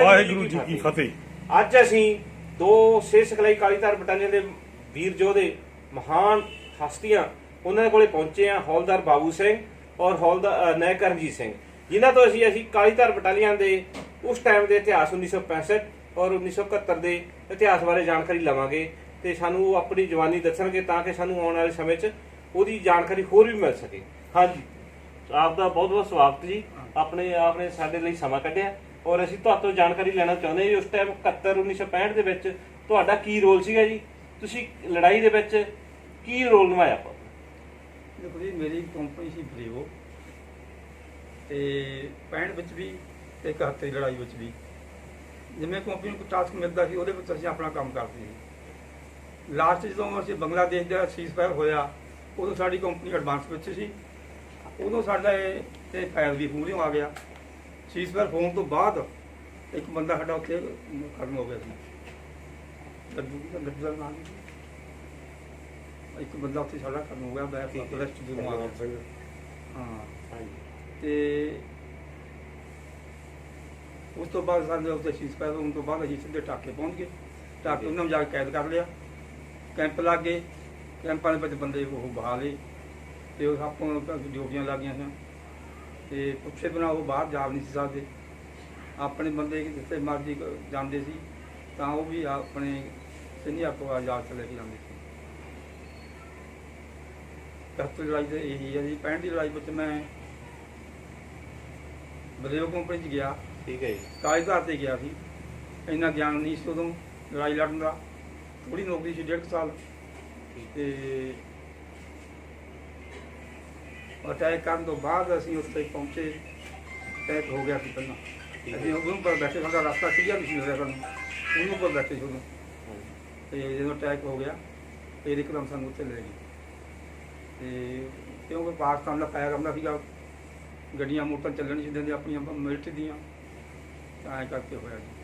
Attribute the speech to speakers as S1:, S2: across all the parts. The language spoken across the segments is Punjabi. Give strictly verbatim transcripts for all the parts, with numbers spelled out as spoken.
S1: ਵਾਹਿਗੁਰੂ ਜੀ ਕੀ ਫਤਿਹ।
S2: ਅੱਜ ਅਸੀਂ ਦੋ ਸਿਹਤ ਸਿਖਲਾਈ ਕਾਲੀਧਾਰ ਬਟਾਲੀਅਨ ਦੇ ਵੀਰ ਯੋਧੇ ਮਹਾਨ ਹਸਤੀਆਂ ਉਹਨਾਂ ਦੇ ਕੋਲੇ ਪਹੁੰਚੇ ਆ, ਹੌਲਦਾਰ ਬਾਬੂ ਸਿੰਘ ਔਰ ਹੌਲਦਾਰ ਨਾਇਕ ਕਰਨਜੀਤ ਸਿੰਘ, ਜਿਨ੍ਹਾਂ ਤੋਂ ਅਸੀਂ ਅਸੀਂ ਕਾਲੀਧਾਰ ਬਟਾਲੀਅਨ ਦੇ ਉਸ ਟਾਈਮ ਦੇ ਇਤਿਹਾਸ ਉੱਨੀ ਸੌ ਪੈਂਸਠ ਔਰ ਉੱਨੀ ਸੌ ਇਕਹੱਤਰ ਦੇ ਇਤਿਹਾਸ ਬਾਰੇ ਜਾਣਕਾਰੀ ਲਵਾਂਗੇ ਤੇ ਸਾਨੂੰ ਉਹ ਆਪਣੀ ਜਵਾਨੀ ਦੱਸਣਗੇ ਤਾਂ ਕਿ ਸਾਨੂੰ ਆਉਣ ਵਾਲੇ ਸਮੇਂ 'ਚ ਉਹਦੀ ਜਾਣਕਾਰੀ ਹੋਰ ਵੀ ਮਿਲ ਸਕੇ। ਹਾਂਜੀ, ਆਪ ਦਾ ਬਹੁਤ ਬਹੁਤ ਸਵਾਗਤ ਜੀ। ਆਪਣੇ ਆਪ ਨੇ ਸਾਡੇ ਲਈ ਸਮਾਂ ਕੱਢਿਆ ਔਰ ਅਸੀਂ ਤੁਹਾਡੇ ਤੋਂ ਜਾਣਕਾਰੀ ਲੈਣਾ ਚਾਹੁੰਦੇ ਜੀ ਉਸ ਟਾਈਮ ਇਕਹੱਤਰ ਉੱਨੀ ਸੌ ਪੈਂਹਠ ਦੇ ਵਿੱਚ ਤੁਹਾਡਾ ਕੀ ਰੋਲ ਸੀਗਾ ਜੀ? ਤੁਸੀਂ ਲੜਾਈ ਦੇ ਵਿੱਚ ਕੀ ਰੋਲ ਨਿਭਾਇਆ?
S3: ਦੇਖੋ ਜੀ, ਮੇਰੀ ਕੰਪਨੀ ਸੀ ਬਰੀਵੋ ਤੇ ਪੈਂਹਠ ਵਿੱਚ ਵੀ ਤੇ ਇਕਹੱਤਰ ਦੀ ਲੜਾਈ ਵਿੱਚ ਵੀ ਜਿਵੇਂ ਕੰਪਨੀ ਨੂੰ ਕੋਈ ਟਾਸਕ ਮਿਲਦਾ ਸੀ ਉਹਦੇ ਵਿੱਚ ਅਸੀਂ ਆਪਣਾ ਕੰਮ ਕਰਦੇ ਸੀ। ਲਾਸਟ ਜਦੋਂ ਅਸੀਂ ਬੰਗਲਾਦੇਸ਼ ਦਾ ਸੀਜ਼ਫਾਇਰ ਹੋਇਆ ਉਦੋਂ ਸਾਡੀ ਕੰਪਨੀ ਐਡਵਾਂਸ ਵਿੱਚ ਸੀ। ਉਦੋਂ ਸਾਡਾ ਇਹ ਇਹ ਫਾਇਰ ਵੀ ਮੂਹਰਿਓਂ ਆ ਗਿਆ। ਸੀਜ਼ਫਾਇਰ ਹੋਣ ਤੋਂ ਬਾਅਦ ਇੱਕ ਬੰਦਾ ਸਾਡਾ ਉੱਥੇ ਖਤਮ ਹੋ ਗਿਆ ਸੀ, ਲੱਡੂ ਲੱਡੂ ਦਾ ਨਾਮ ਇੱਕ ਬੰਦਾ ਉੱਥੇ ਸਾਡਾ ਖਤਮ ਹੋ ਗਿਆ। ਮੈਂ ਪਲਸਟ ਦੀ ਨੂੰ ਆ ਗਿਆ। ਹਾਂ, ਤੇ ਉਸ ਤੋਂ ਬਾਅਦ ਸਾਡੇ ਉੱਤੇ ਸੀਜ਼ਫਾਇਰ ਹੋਣ ਤੋਂ ਬਾਅਦ ਅਸੀਂ ਸਿੱਧੇ ਟਾਕੇ ਪਹੁੰਚ ਗਏ। ਟਾਕੇ ਉਹਨਾਂ ਨੂੰ ਜਾ ਕੇ ਕੈਦ ਕਰ ਲਿਆ। ਕੈਂਪ ਲੱਗ ਗਏ। ਕੈਂਪਾਂ ਦੇ ਵਿੱਚ ਬੰਦੇ ਉਹ ਬਹਾ ਲਏ ਤੇ ਉਹ ਆਪਾਂ ਨੂੰ ਡਿਊਟੀਆਂ ਲੱਗ ਗਈਆਂ ਸਨ ਤੇ ਪੁੱਛੇ ਬਿਨਾਂ ਉਹ ਬਾਹਰ ਜਾ ਨਹੀਂ ਸੀ ਸਕਦੇ। ਆਪਣੇ ਬੰਦੇ ਜਿੱਥੇ ਮਰਜ਼ੀ ਜਾਂਦੇ ਸੀ ਤਾਂ ਉਹ ਵੀ ਆਪਣੇ ਸੀਨੀਅਰ ਤੋਂ ਆਜ਼ਾਦ ਚ ਲੈ ਕੇ ਜਾਂਦੇ ਸੀ। ਇਕਹੱਤਰ ਲੜਾਈ ਤੇ ਇਹੀ ਹੈ ਜੀ। ਪੈਂਹਠ ਦੀ ਲੜਾਈ ਵਿੱਚ ਮੈਂ ਬਲੇਓ ਕੰਪਨੀ 'ਚ ਗਿਆ।
S2: ਠੀਕ ਹੈ ਜੀ।
S3: ਕਾਲੀਧਾਰ ਤੇ ਗਿਆ ਸੀ। ਇੰਨਾ ਗਿਆਨ ਨਹੀਂ ਸੀ ਉਦੋਂ ਲੜਾਈ ਲੜਨ ਦਾ। ਥੋੜ੍ਹੀ ਨੌਕਰੀ ਸੀ, ਡੇਢ ਕੁ ਸਾਲ। ਤੇ ਅਟੈਕ ਕਰਨ ਤੋਂ ਬਾਅਦ ਅਸੀਂ ਉੱਥੇ ਪਹੁੰਚੇ। ਅਟੈਕ ਹੋ ਗਿਆ ਸੀ ਪਹਿਲਾਂ। ਅਸੀਂ ਉਹਨੂੰ ਪਰ ਬੈਠੇ, ਸਾਡਾ ਰਸਤਾ ਕਲੀਅਰ ਨਹੀਂ ਸੀ ਮਿਲਿਆ ਸਾਨੂੰ। ਉਹਨੂੰ ਪਰ ਬੈਠੇ ਸੀ ਉਦੋਂ। ਤੇ ਜਦੋਂ ਅਟੈਕ ਹੋ ਗਿਆ ਫਿਰ ਇੱਕਦਮ ਸਾਨੂੰ ਉੱਥੇ ਲੈ ਗਏ। ਤੇ ਕਿਉਂਕਿ ਪਾਕਿਸਤਾਨ ਦਾ ਪਾਇਆ ਕਰਦਾ ਸੀਗਾ, ਗੱਡੀਆਂ ਮੋਟਰ ਚੱਲਣ ਨਹੀਂ ਸੀ ਦਿੰਦੇ ਆਪਣੀਆਂ ਮਿਲਟਰੀ ਦੀਆਂ, ਤਾਂ ਐਂ ਕਰਕੇ ਹੋਇਆ ਜੀ।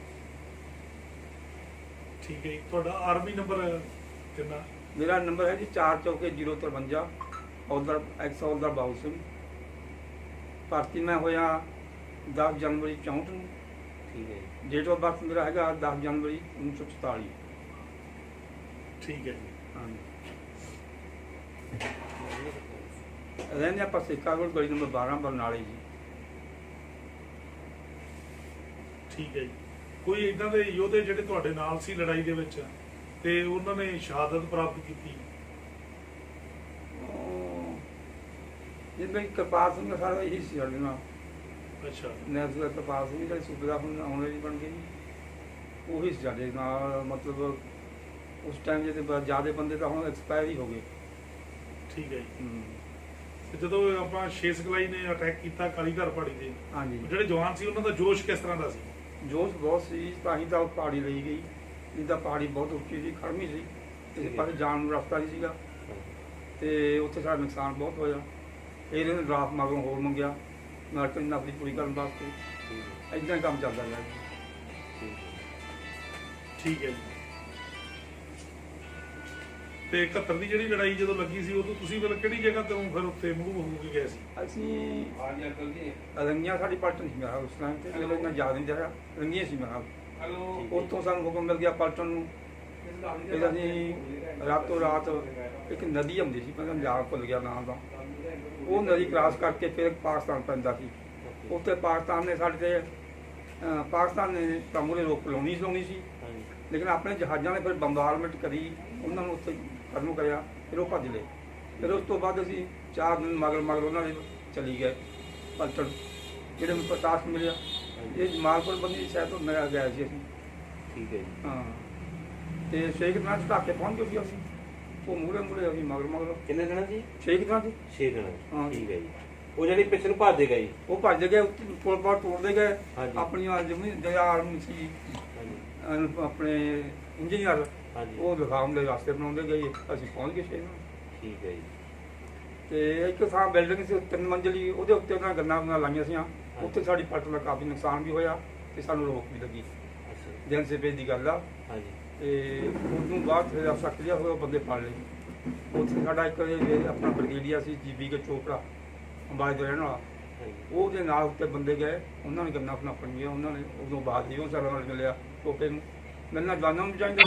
S1: ਠੀਕ ਹੈ ਜੀ। ਤੁਹਾਡਾ ਆਰਮੀ ਨੰਬਰ ਕਿੰਨਾ?
S3: ਮੇਰਾ ਨੰਬਰ ਹੈ ਜੀ ਚਾਰ ਚੌਕੇ ਜ਼ੀਰੋ ਤਰਵੰਜਾ। ਹੌਲਦਾਰ ਐਕਸ ਹੌਲਦਾਰ ਬਾਬੂ ਸਿੰਘ। ਭਰਤੀ ਮੈਂ ਹੋਇਆ ਦਸ ਜਨਵਰੀ ਚੌਂਹਠ ਨੂੰ।
S2: ਠੀਕ ਹੈ ਜੀ।
S3: ਡੇਟ ਆਫ ਬਰਥ ਮੇਰਾ ਹੈਗਾ ਦਸ ਜਨਵਰੀ ਉੱਨੀ ਸੌ ਚੁਤਾਲੀ।
S1: ਠੀਕ ਹੈ ਜੀ।
S3: ਹਾਂਜੀ, ਰਹਿੰਦੇ ਆਪਾਂ ਸੇਖਾ ਰੋਡ, ਗਲੀ ਨੰਬਰ ਬਾਰਾਂ, ਬਰਨਾਲੇ ਜੀ।
S1: ਠੀਕ ਹੈ ਜੀ। ਕੋਈ ਇਦਾਂ ਦੇ ਯੋਧੇ ਜਿਹੜੇ ਤੁਹਾਡੇ ਨਾਲ ਸੀ ਲੜਾਈ ਦੇ ਵਿੱਚ ਤੇ ਉਹਨਾਂ ਨੇ ਸ਼ਹਾਦਤ ਪ੍ਰਾਪਤ ਕੀਤੀ?
S3: ਜਿਵੇਂ ਕਿਰਪਾਲ ਸਿੰਘ ਸਾਰਾ ਇਹੀ ਸੀ ਸਾਡੇ ਨਾਲ।
S1: ਅੱਛਾ।
S3: ਨੈਸ਼ਨਲ ਕਿਰਪਾਲ ਸਿੰਘ ਜਿਹੜੇ ਸੂਬੇ ਦਾ ਹੁਣ ਆਉਣ ਵਾਲੀ ਬਣ ਗਏ ਜੀ, ਉਹੀ ਸੀ ਸਾਡੇ ਨਾਲ। ਮਤਲਬ ਉਸ ਟਾਈਮ ਜਿਹਦੇ ਜ਼ਿਆਦਾ ਬੰਦੇ ਤਾਂ ਹੁਣ ਐਕਸਪਾਇਰ ਹੀ ਹੋ ਗਏ।
S1: ਠੀਕ ਹੈ ਜੀ। ਤੇ ਜਦੋਂ ਆਪਾਂ ਛੇ ਸਿਖਲਾਈ ਨੇ ਅਟੈਕ ਕੀਤਾ ਕਾਲੀਧਾਰ ਪਹਾੜੀ ਤੇ,
S3: ਹਾਂਜੀ,
S1: ਜਿਹੜੇ ਜਵਾਨ ਸੀ ਉਹਨਾਂ ਦਾ ਜੋਸ਼ ਕਿਸ ਤਰ੍ਹਾਂ ਦਾ ਸੀ?
S3: ਜੋਸ਼ ਬਹੁਤ ਸੀ, ਤਾਂ ਹੀ ਤਾਂ ਉਹ ਪਹਾੜੀ ਲਈ ਗਈ। ਜਿੱਦਾਂ ਪਹਾੜੀ ਬਹੁਤ ਉੱਚੀ ਸੀ, ਖੜਮੀ ਸੀ, ਕਿਸੇ ਪਾਸੇ ਜਾਣ ਨੂੰ ਰਸਤਾ ਨਹੀਂ ਸੀਗਾ ਤੇ ਉੱਥੇ ਸਾਡਾ ਨੁਕਸਾਨ ਬਹੁਤ ਹੋਇਆ। ਫਿਰ ਇਹਨੇ ਡਰਾਫਟ ਮਗਰੋਂ ਹੋਰ ਮੰਗਿਆ ਨਾਟਕ ਨੌਕਰੀ ਪੂਰੀ ਕਰਨ ਵਾਸਤੇ। ਇੱਦਾਂ ਹੀ ਕੰਮ ਚੱਲਦਾ ਰਿਹਾ।
S1: ਠੀਕ ਹੈ ਜੀ। ਤੇ ਇਕਹੱਤਰ ਦੀ ਜਿਹੜੀ ਲੜਾਈ ਜਦੋਂ ਲੱਗੀ ਸੀ ਉਦੋਂ ਤੁਸੀਂ ਫਿਰ ਕਿਹੜੀ ਜਗ੍ਹਾ ਤੋਂ ਫਿਰ ਉੱਥੇ ਮੂਵ ਹੋ ਕੇ ਗਏ ਸੀ?
S3: ਅਸੀਂ ਰੰਗੀਆਂ ਸਾਡੀ ਪਲਟਨ ਸੀ ਮੇਰਾ ਉਸ ਟਾਈਮ ਤੇ, ਜਦੋਂ ਇੰਨਾ ਯਾਦ ਨਹੀਂ ਰਿਹਾ। ਰੰਗੀਆਂ ਸੀ ਮੇਰਾ। ਉੱਥੋਂ ਸਾਨੂੰ ਹੁਕਮ ਮਿਲ ਗਿਆ ਪਲਟਨ ਨੂੰ। ਫਿਰ ਅਸੀਂ ਰਾਤੋਂ ਰਾਤ ਇੱਕ ਨਦੀ ਆਉਂਦੀ ਸੀ, ਮੈਂ ਯਾਦ ਭੁੱਲ ਗਿਆ ਨਾਮ ਦਾ, ਉਹ ਨਦੀ ਕ੍ਰਾਸ ਕਰਕੇ ਫਿਰ ਪਾਕਿਸਤਾਨ ਪੈਂਦਾ ਸੀ। ਉੱਥੇ ਪਾਕਿਸਤਾਨ ਨੇ ਸਾਡੇ ਤੇ ਪਾਕਿਸਤਾਨ ਨੇ ਤਾਂ ਮੂਹਰੇ ਰੋਕ ਲਾਉਣੀ ਲਾਉਣੀ ਸੀ, ਲੇਕਿਨ ਆਪਣੇ ਜਹਾਜ਼ਾਂ ਨੇ ਫਿਰ ਬੰਬਾਰਮੈਂਟ ਕਰੀ, ਉਹਨਾਂ ਨੂੰ ਉੱਥੇ ਖਤਮ ਕਰਿਆ। ਫਿਰ ਉਹ ਭੱਜ ਲਏ। ਫਿਰ ਉਸ ਤੋਂ ਬਾਅਦ ਅਸੀਂ ਚਾਰ ਦਿਨ ਮਗਰ ਮਗਰ ਉਹਨਾਂ ਦੇ ਚਲੀ ਗਏ ਪਲਟਨ, ਜਿਹੜੇ ਮੈਨੂੰ ਪ੍ਰਤਾਸ਼ ਮਿਲਿਆ। ਇਹ ਜਮਾਲਪੁਰ ਬੰਦੀ ਸ਼ਾਇਦ ਤੋਂ ਮਿਲਿਆ ਗਿਆ ਸੀ ਅਸੀਂ।
S2: ਠੀਕ ਹੈ ਜੀ।
S3: ਹਾਂ, ਤੇ ਸ਼ੇਖ ਦਿਨਾਂ ਚ ਢਾਕੇ ਪਹੁੰਚ ਗਏ ਸੀ ਅਸੀਂ। ਉਹ ਮੂਹਰੇ ਮੂਹਰੇ ਅਸੀਂ ਮਗਰ ਮਗਰ।
S2: ਕਿੰਨੇ ਦਿਨਾਂ ਜੀ?
S3: ਸ਼ੇਖ ਦਿਨਾਂ ਚ।
S2: ਛੇ ਦਿਨਾਂ।
S3: ਹਾਂ।
S2: ਠੀਕ ਹੈ ਜੀ। ਉਹ ਜਿਹੜੀ ਪਿੱਛੇ ਨੂੰ ਭੱਜਦੇ ਗਏ ਜੀ?
S3: ਉਹ ਭੱਜ ਗਏ, ਪੁਲ ਪਾਰ ਤੋੜਦੇ ਗਏ।
S2: ਹਾਂਜੀ।
S3: ਆਪਣੀਆਂ ਜਿਵੇਂ ਜਿਹੜਾ ਆਰਮੀ ਸੀ
S2: ਹਾਂਜੀ।
S3: ਆਪਣੇ ਇੰਜੀਨੀਅਰ,
S2: ਹਾਂਜੀ।
S3: ਉਹ ਦਿਖਾਉਣ ਦੇ ਰਸਤੇ ਬਣਾਉਂਦੇ ਗਏ। ਅਸੀਂ ਪਹੁੰਚ ਗਏ ਸ਼ੇਖ।
S2: ਠੀਕ ਹੈ ਜੀ।
S3: ਤੇ ਇੱਕ ਥਾਂ ਬਿਲਡਿੰਗ ਸੀ ਤਿੰਨ ਮੰਜ਼ਲੀ, ਉਹਦੇ ਉੱਤੇ ਉਹਨਾਂ ਗੰਨਾਂ ਗੁੰਨਾਂ ਲਾਈਆਂ ਸੀ। ਉੱਥੇ ਸਾਡੀ ਪਲਟਨ ਦਾ ਕਾਫੀ ਨੁਕਸਾਨ ਵੀ ਹੋਇਆ ਤੇ ਸਾਨੂੰ ਰੋਕ ਵੀ ਲੱਗੀ।
S2: ਅੱਛਾ।
S3: ਦਿਨ ਸੇਪੇ ਦੀ ਗੱਲ ਆ।
S2: ਹਾਂਜੀ।
S3: ਤੇ ਉਸ ਤੋਂ ਬਾਅਦ ਫਿਰ ਅਫਸਰ ਕਲੀਅਰ ਹੋਇਆ, ਬੰਦੇ ਫੜ ਲਏ। ਉੱਥੇ ਸਾਡਾ ਇੱਕ ਆਪਣਾ ਬਰਗੇਡੀਆ ਸੀ, ਜੀਬੀ ਕੇ ਚੋਪੜਾ, ਅੰਬਾਲੇ ਦਾ ਰਹਿਣ ਵਾਲਾ। ਉਹਦੇ ਨਾਲ ਉੱਤੇ ਬੰਦੇ ਗਏ, ਉਹਨਾਂ ਨੇ ਗੰਨਾ ਆਪਣਾ ਪੰਜੀਆਂ, ਉਹਨਾਂ ਨੇ ਉਦੋਂ ਬਾਅਦ ਹੀ ਉਹ ਸਾਰਾ ਨਾਲ ਮਿਲਿਆ ਟੋਪੇ ਨੂੰ ਮਿਲਣਾ ਜਵਾਨਾਂ ਨੂੰ ਚਾਹੀਦਾ।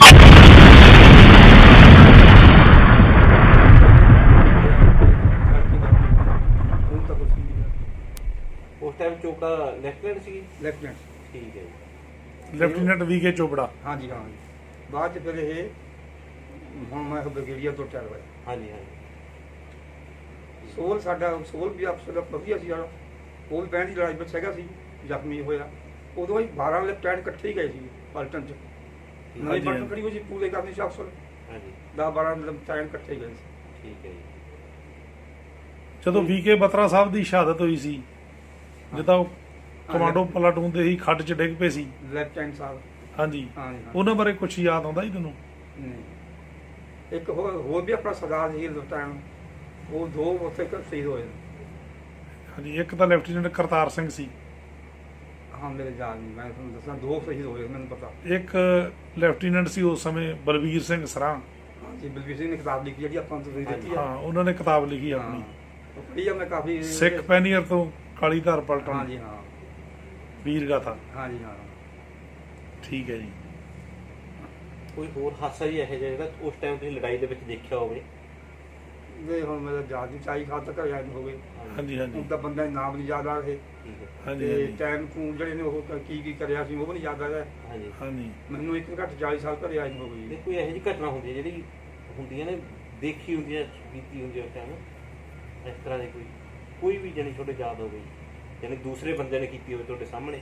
S3: ਹੁਣ ਤਾਂ ਕੁਛ ਨਹੀਂ।
S2: ਉਸ ਟਾਈਮ ਚੋਪੜਾ ਲੈਫਟੀਨੈਂਟ ਸੀ।
S3: ਲੈਫਟੀਨੈਂਟ।
S2: ਠੀਕ ਹੈ ਜੀ।
S1: Lieutenant V K Chopra.
S3: ਹਾਂਜੀ ਹਾਂ ਜੀ। ਬਾਅਦ 'ਚ ਫਿਰ ਇਹ ਹੁਣ ਮੈਂ ਬ੍ਰਿਗੇਡੀਅਰ ਤੋਂ ਚੱਲ ਰਿਹਾ।
S2: ਹਾਂਜੀ ਹਾਂਜੀ।
S3: ਸੋਲ ਸਾਡਾ ਸੋਲ ਵੀ ਅਫਸਰ ਵਧੀਆ ਸੀ ਸਾਡਾ। ਉਹ ਬੈਂਡ ਦੀ ਲੜਾਈ ਵਿੱਚ ਹੈਗਾ ਸੀ, ਜ਼ਖਮੀ ਹੋਇਆ। ਉਦੋਂ ਹੀ ਬਾਰਾਂ ਲੈਫਟੀਨੈਂਟ ਇਕੱਠੇ ਹੀ ਗਏ ਸੀ ਪਲਟਨ 'ਚ। ਨਵੀਂ ਪਲਟਨ ਖੜੀ ਹੋਈ ਸੀ ਪੂਰੇ ਕਰਨੀ ਸੀ ਅਫਸਰ।
S2: ਹਾਂਜੀ।
S3: ਦਸ ਬਾਰਾਂ ਲੈਫਟੀਨੈਂਟ ਇਕੱਠੇ ਗਏ ਸੀ।
S2: ਠੀਕ ਹੈ ਜੀ।
S1: ਜਦੋਂ ਵੀ ਕੇ ਬਤਰਾ ਸਾਹਿਬ ਦੀ ਸ਼ਹਾਦਤ ਹੋਈ ਸੀ, ਜਦੋਂ ਉਹ ਕਮਾਂਡੋ ਪਲਾਟੂਨ ਦੇ ਹੀ ਖੱਡ 'ਚ ਡਿੱਗ ਪਏ ਸੀ
S3: ਲੈਫਟੀਨੈਂਟ ਸਾਹਿਬ।
S1: ਹਾਂਜੀ,
S3: ਹਾਂਜੀ
S1: ਉਹਨਾਂ ਬਾਰੇ ਕੁਝ ਯਾਦ ਆਉਂਦਾ ਜੀ ਤੁਹਾਨੂੰ?
S3: ਨਹੀਂ। ਇੱਕ ਹੋਰ ਹੋਰ ਵੀ ਆਪਣਾ ਸਰਦਾਰ ਸੀ ਲੈਫਟੀਨੈਂਟ, ਉਹ ਦੋ ਉੱਥੇ ਸ਼ਹੀਦ ਹੋਏ।
S1: ਹਾਂਜੀ, ਇੱਕ ਤਾਂ ਲੈਫਟੀਨੈਂਟ ਕਰਤਾਰ ਸਿੰਘ ਸੀ।
S3: ਹਾਂ ਮੇਰੇ ਯਾਦ ਨਹੀਂ, ਮੈਂ ਤੁਹਾਨੂੰ ਦੱਸਾਂ ਦੋ ਸ਼ਹੀਦ ਹੋਏ ਮੈਨੂੰ ਪਤਾ।
S1: ਇੱਕ ਲੈਫਟੀਨੈਂਟ ਸੀ ਉਸ ਸਮੇਂ ਬਲਵੀਰ ਸਿੰਘ ਸਰਾਂ।
S3: ਹਾਂਜੀ, ਬਲਵੀਰ ਸਿੰਘ ਨੇ ਕਿਤਾਬ ਲਿਖੀ ਜਿਹੜੀ ਆਪਾਂ ਨੂੰ ਤੁਸੀਂ ਦਿੱਤੀ ਆ।
S1: ਹਾਂ, ਉਹਨਾਂ ਨੇ ਕਿਤਾਬ ਲਿਖੀ ਆਪਣੀ,
S3: ਉਹ ਪੜ੍ਹੀ ਆ ਮੈਂ ਕਾਫੀ।
S1: ਸਿੱਖ ਪੈਨੀਅਰ ਤੋਂ ਕਾਲੀਧਾਰ ਪਲਟਨ।
S3: ਹਾਂਜੀ ਹਾਂ।
S1: ਵੀਰ ਗਾਥਾ।
S3: ਹਾਂਜੀ ਹਾਂ।
S1: ਠੀਕ ਹੈ ਜੀ।
S2: ਕੋਈ ਹੋਰ ਹਾਦਸਾ ਜੀ ਇਹੋ ਜਿਹਾ ਜਿਹੜਾ ਉਸ ਟਾਈਮ ਤੁਸੀਂ ਲੜਾਈ ਦੇ ਵਿੱਚ ਦੇਖਿਆ ਹੋਵੇ?
S3: ਦੇ ਹੁਣ ਮੇਰਾ ਯਾਦ ਨਹੀਂ, ਚਾਈ ਖਾਦ ਤੱਕ ਯਾਦ ਹੋ ਗਏ।
S1: ਹਾਂਜੀ ਹਾਂਜੀ।
S3: ਹੁਣ ਤਾਂ ਬੰਦਾ ਨਾਮ ਨਹੀਂ ਯਾਦ ਆ ਰਹੇ।
S2: ਠੀਕ ਹੈ।
S1: ਹਾਂਜੀ
S3: ਤੇ
S1: ਹਾਂਜੀ
S3: ਟਾਈਮ ਨੂੰ ਜਿਹੜੇ ਨੇ ਉਹ ਕੀ ਕੀ ਕਰਿਆ ਸੀ ਉਹ ਵੀ ਨਹੀਂ ਯਾਦ ਆ ਰਿਹਾ।
S2: ਹਾਂਜੀ
S1: ਹਾਂਜੀ।
S3: ਮੈਨੂੰ ਇੱਕ ਘੱਟ ਚਾਲੀ ਸਾਲ ਘਰੇ ਆਈ ਹੋ ਗਈ।
S2: ਤੇ ਕੋਈ ਇਹੋ ਜਿਹੀ ਘਟਨਾ ਹੁੰਦੀ ਹੈ ਜਿਹੜੀ ਹੁੰਦੀਆਂ ਨੇ, ਦੇਖੀ ਹੁੰਦੀ ਹੈ, ਬੀਤੀ ਹੁੰਦੀ ਹੈ ਉਸ ਟਾਈਮ, ਇਸ ਤਰ੍ਹਾਂ ਦੀ ਕੋਈ ਕੋਈ ਵੀ ਜਾਣੀ ਤੁਹਾਡੇ ਯਾਦ ਹੋ ਗਈ, ਜਾਣੀ ਦੂਸਰੇ ਬੰਦੇ ਨੇ ਕੀਤੀ ਹੋਵੇ ਤੁਹਾਡੇ ਸਾਹਮਣੇ?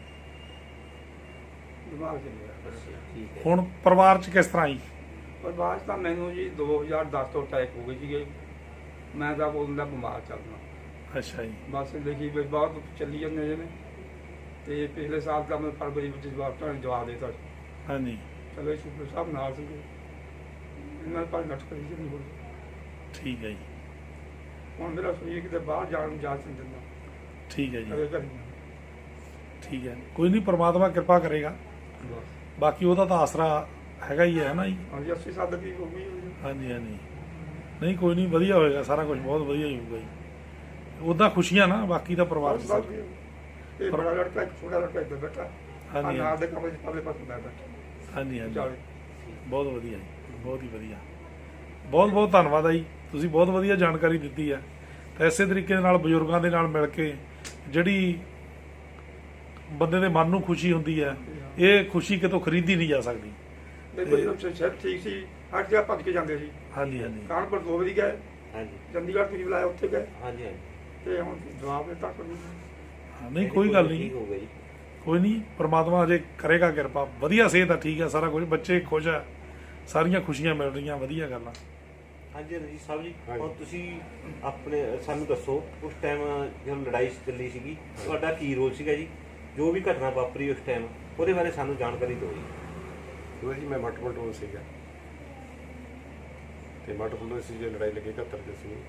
S3: ਦਿਮਾਗ ਚ ਨਹੀਂ ਆ।
S2: ਠੀਕ ਹੈ।
S1: ਹੁਣ ਪਰਿਵਾਰ 'ਚ ਕਿਸ ਤਰ੍ਹਾਂ ਜੀ?
S3: ਪਰ ਬਾਅਦ 'ਚ ਤਾਂ ਮੈਨੂੰ ਜੀ ਦੋ ਹਜ਼ਾਰ ਦਸ ਤੋਂ ਅਟੈਕ ਹੋ ਗਏ ਸੀਗੇ। ਮੈਂ ਤਾਂ ਉਦੋਂ ਦਾ ਬਿਮਾਰ ਚੱਲਦਾ।
S1: ਅੱਛਾ ਜੀ।
S3: ਬਸ ਦੇਖੀ ਵੀ ਬਹੁਤ ਚੱਲੀ ਜਾਂਦੇ ਨੇ। ਤੇ ਪਿਛਲੇ ਸਾਲ ਤਾਂ ਮੈਂ ਫਰਵਰੀ ਵਿੱਚ ਜਵਾਬ ਤੁਹਾਨੂੰ ਜਵਾਬ ਦੇ ਦਿੱਤਾ।
S1: ਹਾਂਜੀ।
S3: ਚਲੋ ਸ਼ੁਕਰ ਸਾਹਿਬ ਨਾਲ ਸੀਗੇ, ਇਹਨਾਂ ਪਰ ਨੱਠ ਕਰੀ ਨਹੀਂ ਹੋਈ।
S1: ਠੀਕ ਹੈ ਜੀ।
S3: ਹੁਣ ਮੇਰਾ ਸਰੀਰ ਕਿਤੇ ਬਾਹਰ ਜਾਣ ਨੂੰ ਇਜਾਜ਼ਤ ਨਹੀਂ ਦਿੰਦਾ।
S1: ਠੀਕ ਹੈ ਜੀ।
S3: ਕਦੇ ਘਰੇ
S1: ਠੀਕ ਹੈ, ਕੋਈ ਨਹੀਂ, ਪ੍ਰਮਾਤਮਾ ਕਿਰਪਾ ਕਰੇਗਾ।
S3: ਬਸ
S1: ਬਾਕੀ ਉਹਦਾ ਤਾਂ ਆਸਰਾ ਹੈਗਾ ਹੀ ਹੈ ਨਾ ਜੀ।
S3: ਹਾਂਜੀ ਅੱਸੀ ਸਾਲ ਦੀ ਹੋ ਗਈ ਹੋਈ।
S1: ਹਾਂਜੀ ਹਾਂਜੀ। ਨਹੀਂ ਕੋਈ ਨਹੀਂ, ਵਧੀਆ ਹੋਏਗਾ ਸਾਰਾ ਕੁਝ, ਬਹੁਤ ਵਧੀਆ ਹੀ ਹੋਊਗਾ ਜੀ। ਉਹਦਾ ਖੁਸ਼ੀਆਂ ਨਾ, ਬਾਕੀ ਦਾ ਪਰਿਵਾਰ
S3: ਬਸ ਬਸ ਇਹ ਬੜਾ ਲੜਕਾ ਇੱਕ ਛੋਟਾ ਲੜਕਾ ਇੱਧਰ ਬੈਠਾ।
S1: ਹਾਂਜੀ
S3: ਨਾਲ ਦੇ ਕਮਰੇ 'ਚ ਪਰਲੇ ਪਾਸੇ ਮੈਂ ਬੈਠਾ।
S1: ਹਾਂਜੀ ਹਾਂਜੀ।
S3: ਚਾਲੇ
S1: ਬਹੁਤ ਵਧੀਆ ਜੀ, ਬਹੁਤ ਹੀ ਵਧੀਆ। ਬਹੁਤ ਬਹੁਤ ਧੰਨਵਾਦ ਆ ਜੀ, ਤੁਸੀਂ ਬਹੁਤ ਵਧੀਆ ਜਾਣਕਾਰੀ ਦਿੱਤੀ ਹੈ। ਤਾਂ ਇਸੇ ਤਰੀਕੇ ਦੇ ਨਾਲ ਬਜ਼ੁਰਗਾਂ ਦੇ ਨਾਲ ਮਿਲ ਕੇ ਜਿਹੜੀ ਬੰਦੇ ਦੇ ਮਨ ਨੂੰ ਖੁਸ਼ੀ ਹੁੰਦੀ ਹੈ, ਇਹ ਖੁਸ਼ੀ ਕਿਤੋਂ ਖਰੀਦੀ ਨਹੀਂ ਜਾ ਸਕਦੀ।
S3: ਦੇਖੋ ਜੀ ਸ਼ਹਿਰ ਠੀਕ ਸੀ, ਹਰ ਜਗ੍ਹਾ ਭੱਜ ਕੇ ਜਾਂਦੇ ਸੀ।
S1: ਹਾਂਜੀ ਹਾਂਜੀ।
S3: ਕਾਨਪੁਰ ਦੋ ਵਾਰੀ ਗਏ,
S2: ਹਾਂਜੀ
S3: ਚੰਡੀਗੜ੍ਹ ਤੁਸੀਂ ਬੁਲਾਇਆ ਉੱਥੇ ਗਏ।
S2: ਹਾਂਜੀ ਹਾਂਜੀ।
S3: ਤੇ ਹੁਣ ਜਵਾਬ ਦਿੱਤਾ ਕੋਈ ਨਹੀਂ।
S1: ਹਾਂ, ਨਹੀਂ ਕੋਈ ਗੱਲ ਨਹੀਂ,
S2: ਠੀਕ ਹੋ ਗਈ।
S1: ਕੋਈ ਨਹੀਂ, ਪ੍ਰਮਾਤਮਾ ਅਜੇ ਕਰੇਗਾ ਕਿਰਪਾ। ਵਧੀਆ ਸਿਹਤ ਆ, ਠੀਕ ਹੈ ਸਾਰਾ ਕੁਝ, ਬੱਚੇ ਖੁਸ਼ ਆ, ਸਾਰੀਆਂ ਖੁਸ਼ੀਆਂ ਮਿਲ ਰਹੀਆਂ, ਵਧੀਆ ਗੱਲਾਂ।
S2: ਹਾਂਜੀ ਰਣਜੀਤ ਸਾਹਿਬ ਜੀ, ਹੁਣ ਤੁਸੀਂ ਆਪਣੇ ਸਾਨੂੰ ਦੱਸੋ, ਉਸ ਟਾਈਮ ਜਦੋਂ ਲੜਾਈ ਚੱਲੀ ਸੀਗੀ, ਤੁਹਾਡਾ ਕੀ ਰੋਲ ਸੀਗਾ ਜੀ? ਜੋ ਵੀ ਘਟਨਾ ਵਾਪਰੀ ਉਸ ਟਾਈਮ, ਉਹਦੇ ਬਾਰੇ ਸਾਨੂੰ ਜਾਣਕਾਰੀ ਦਿਓ ਜੀ।
S4: ਉਹ ਜੀ ਮੈਂ ਮੱਟ ਮਟੋਲ ਸੀਗਾ, ਤੇ ਮੱਟ ਮਟੋਲ ਸੀ ਜੇ ਲੜਾਈ ਲੱਗੀ ਇਕਹੱਤਰ ਦੇ ਸੀ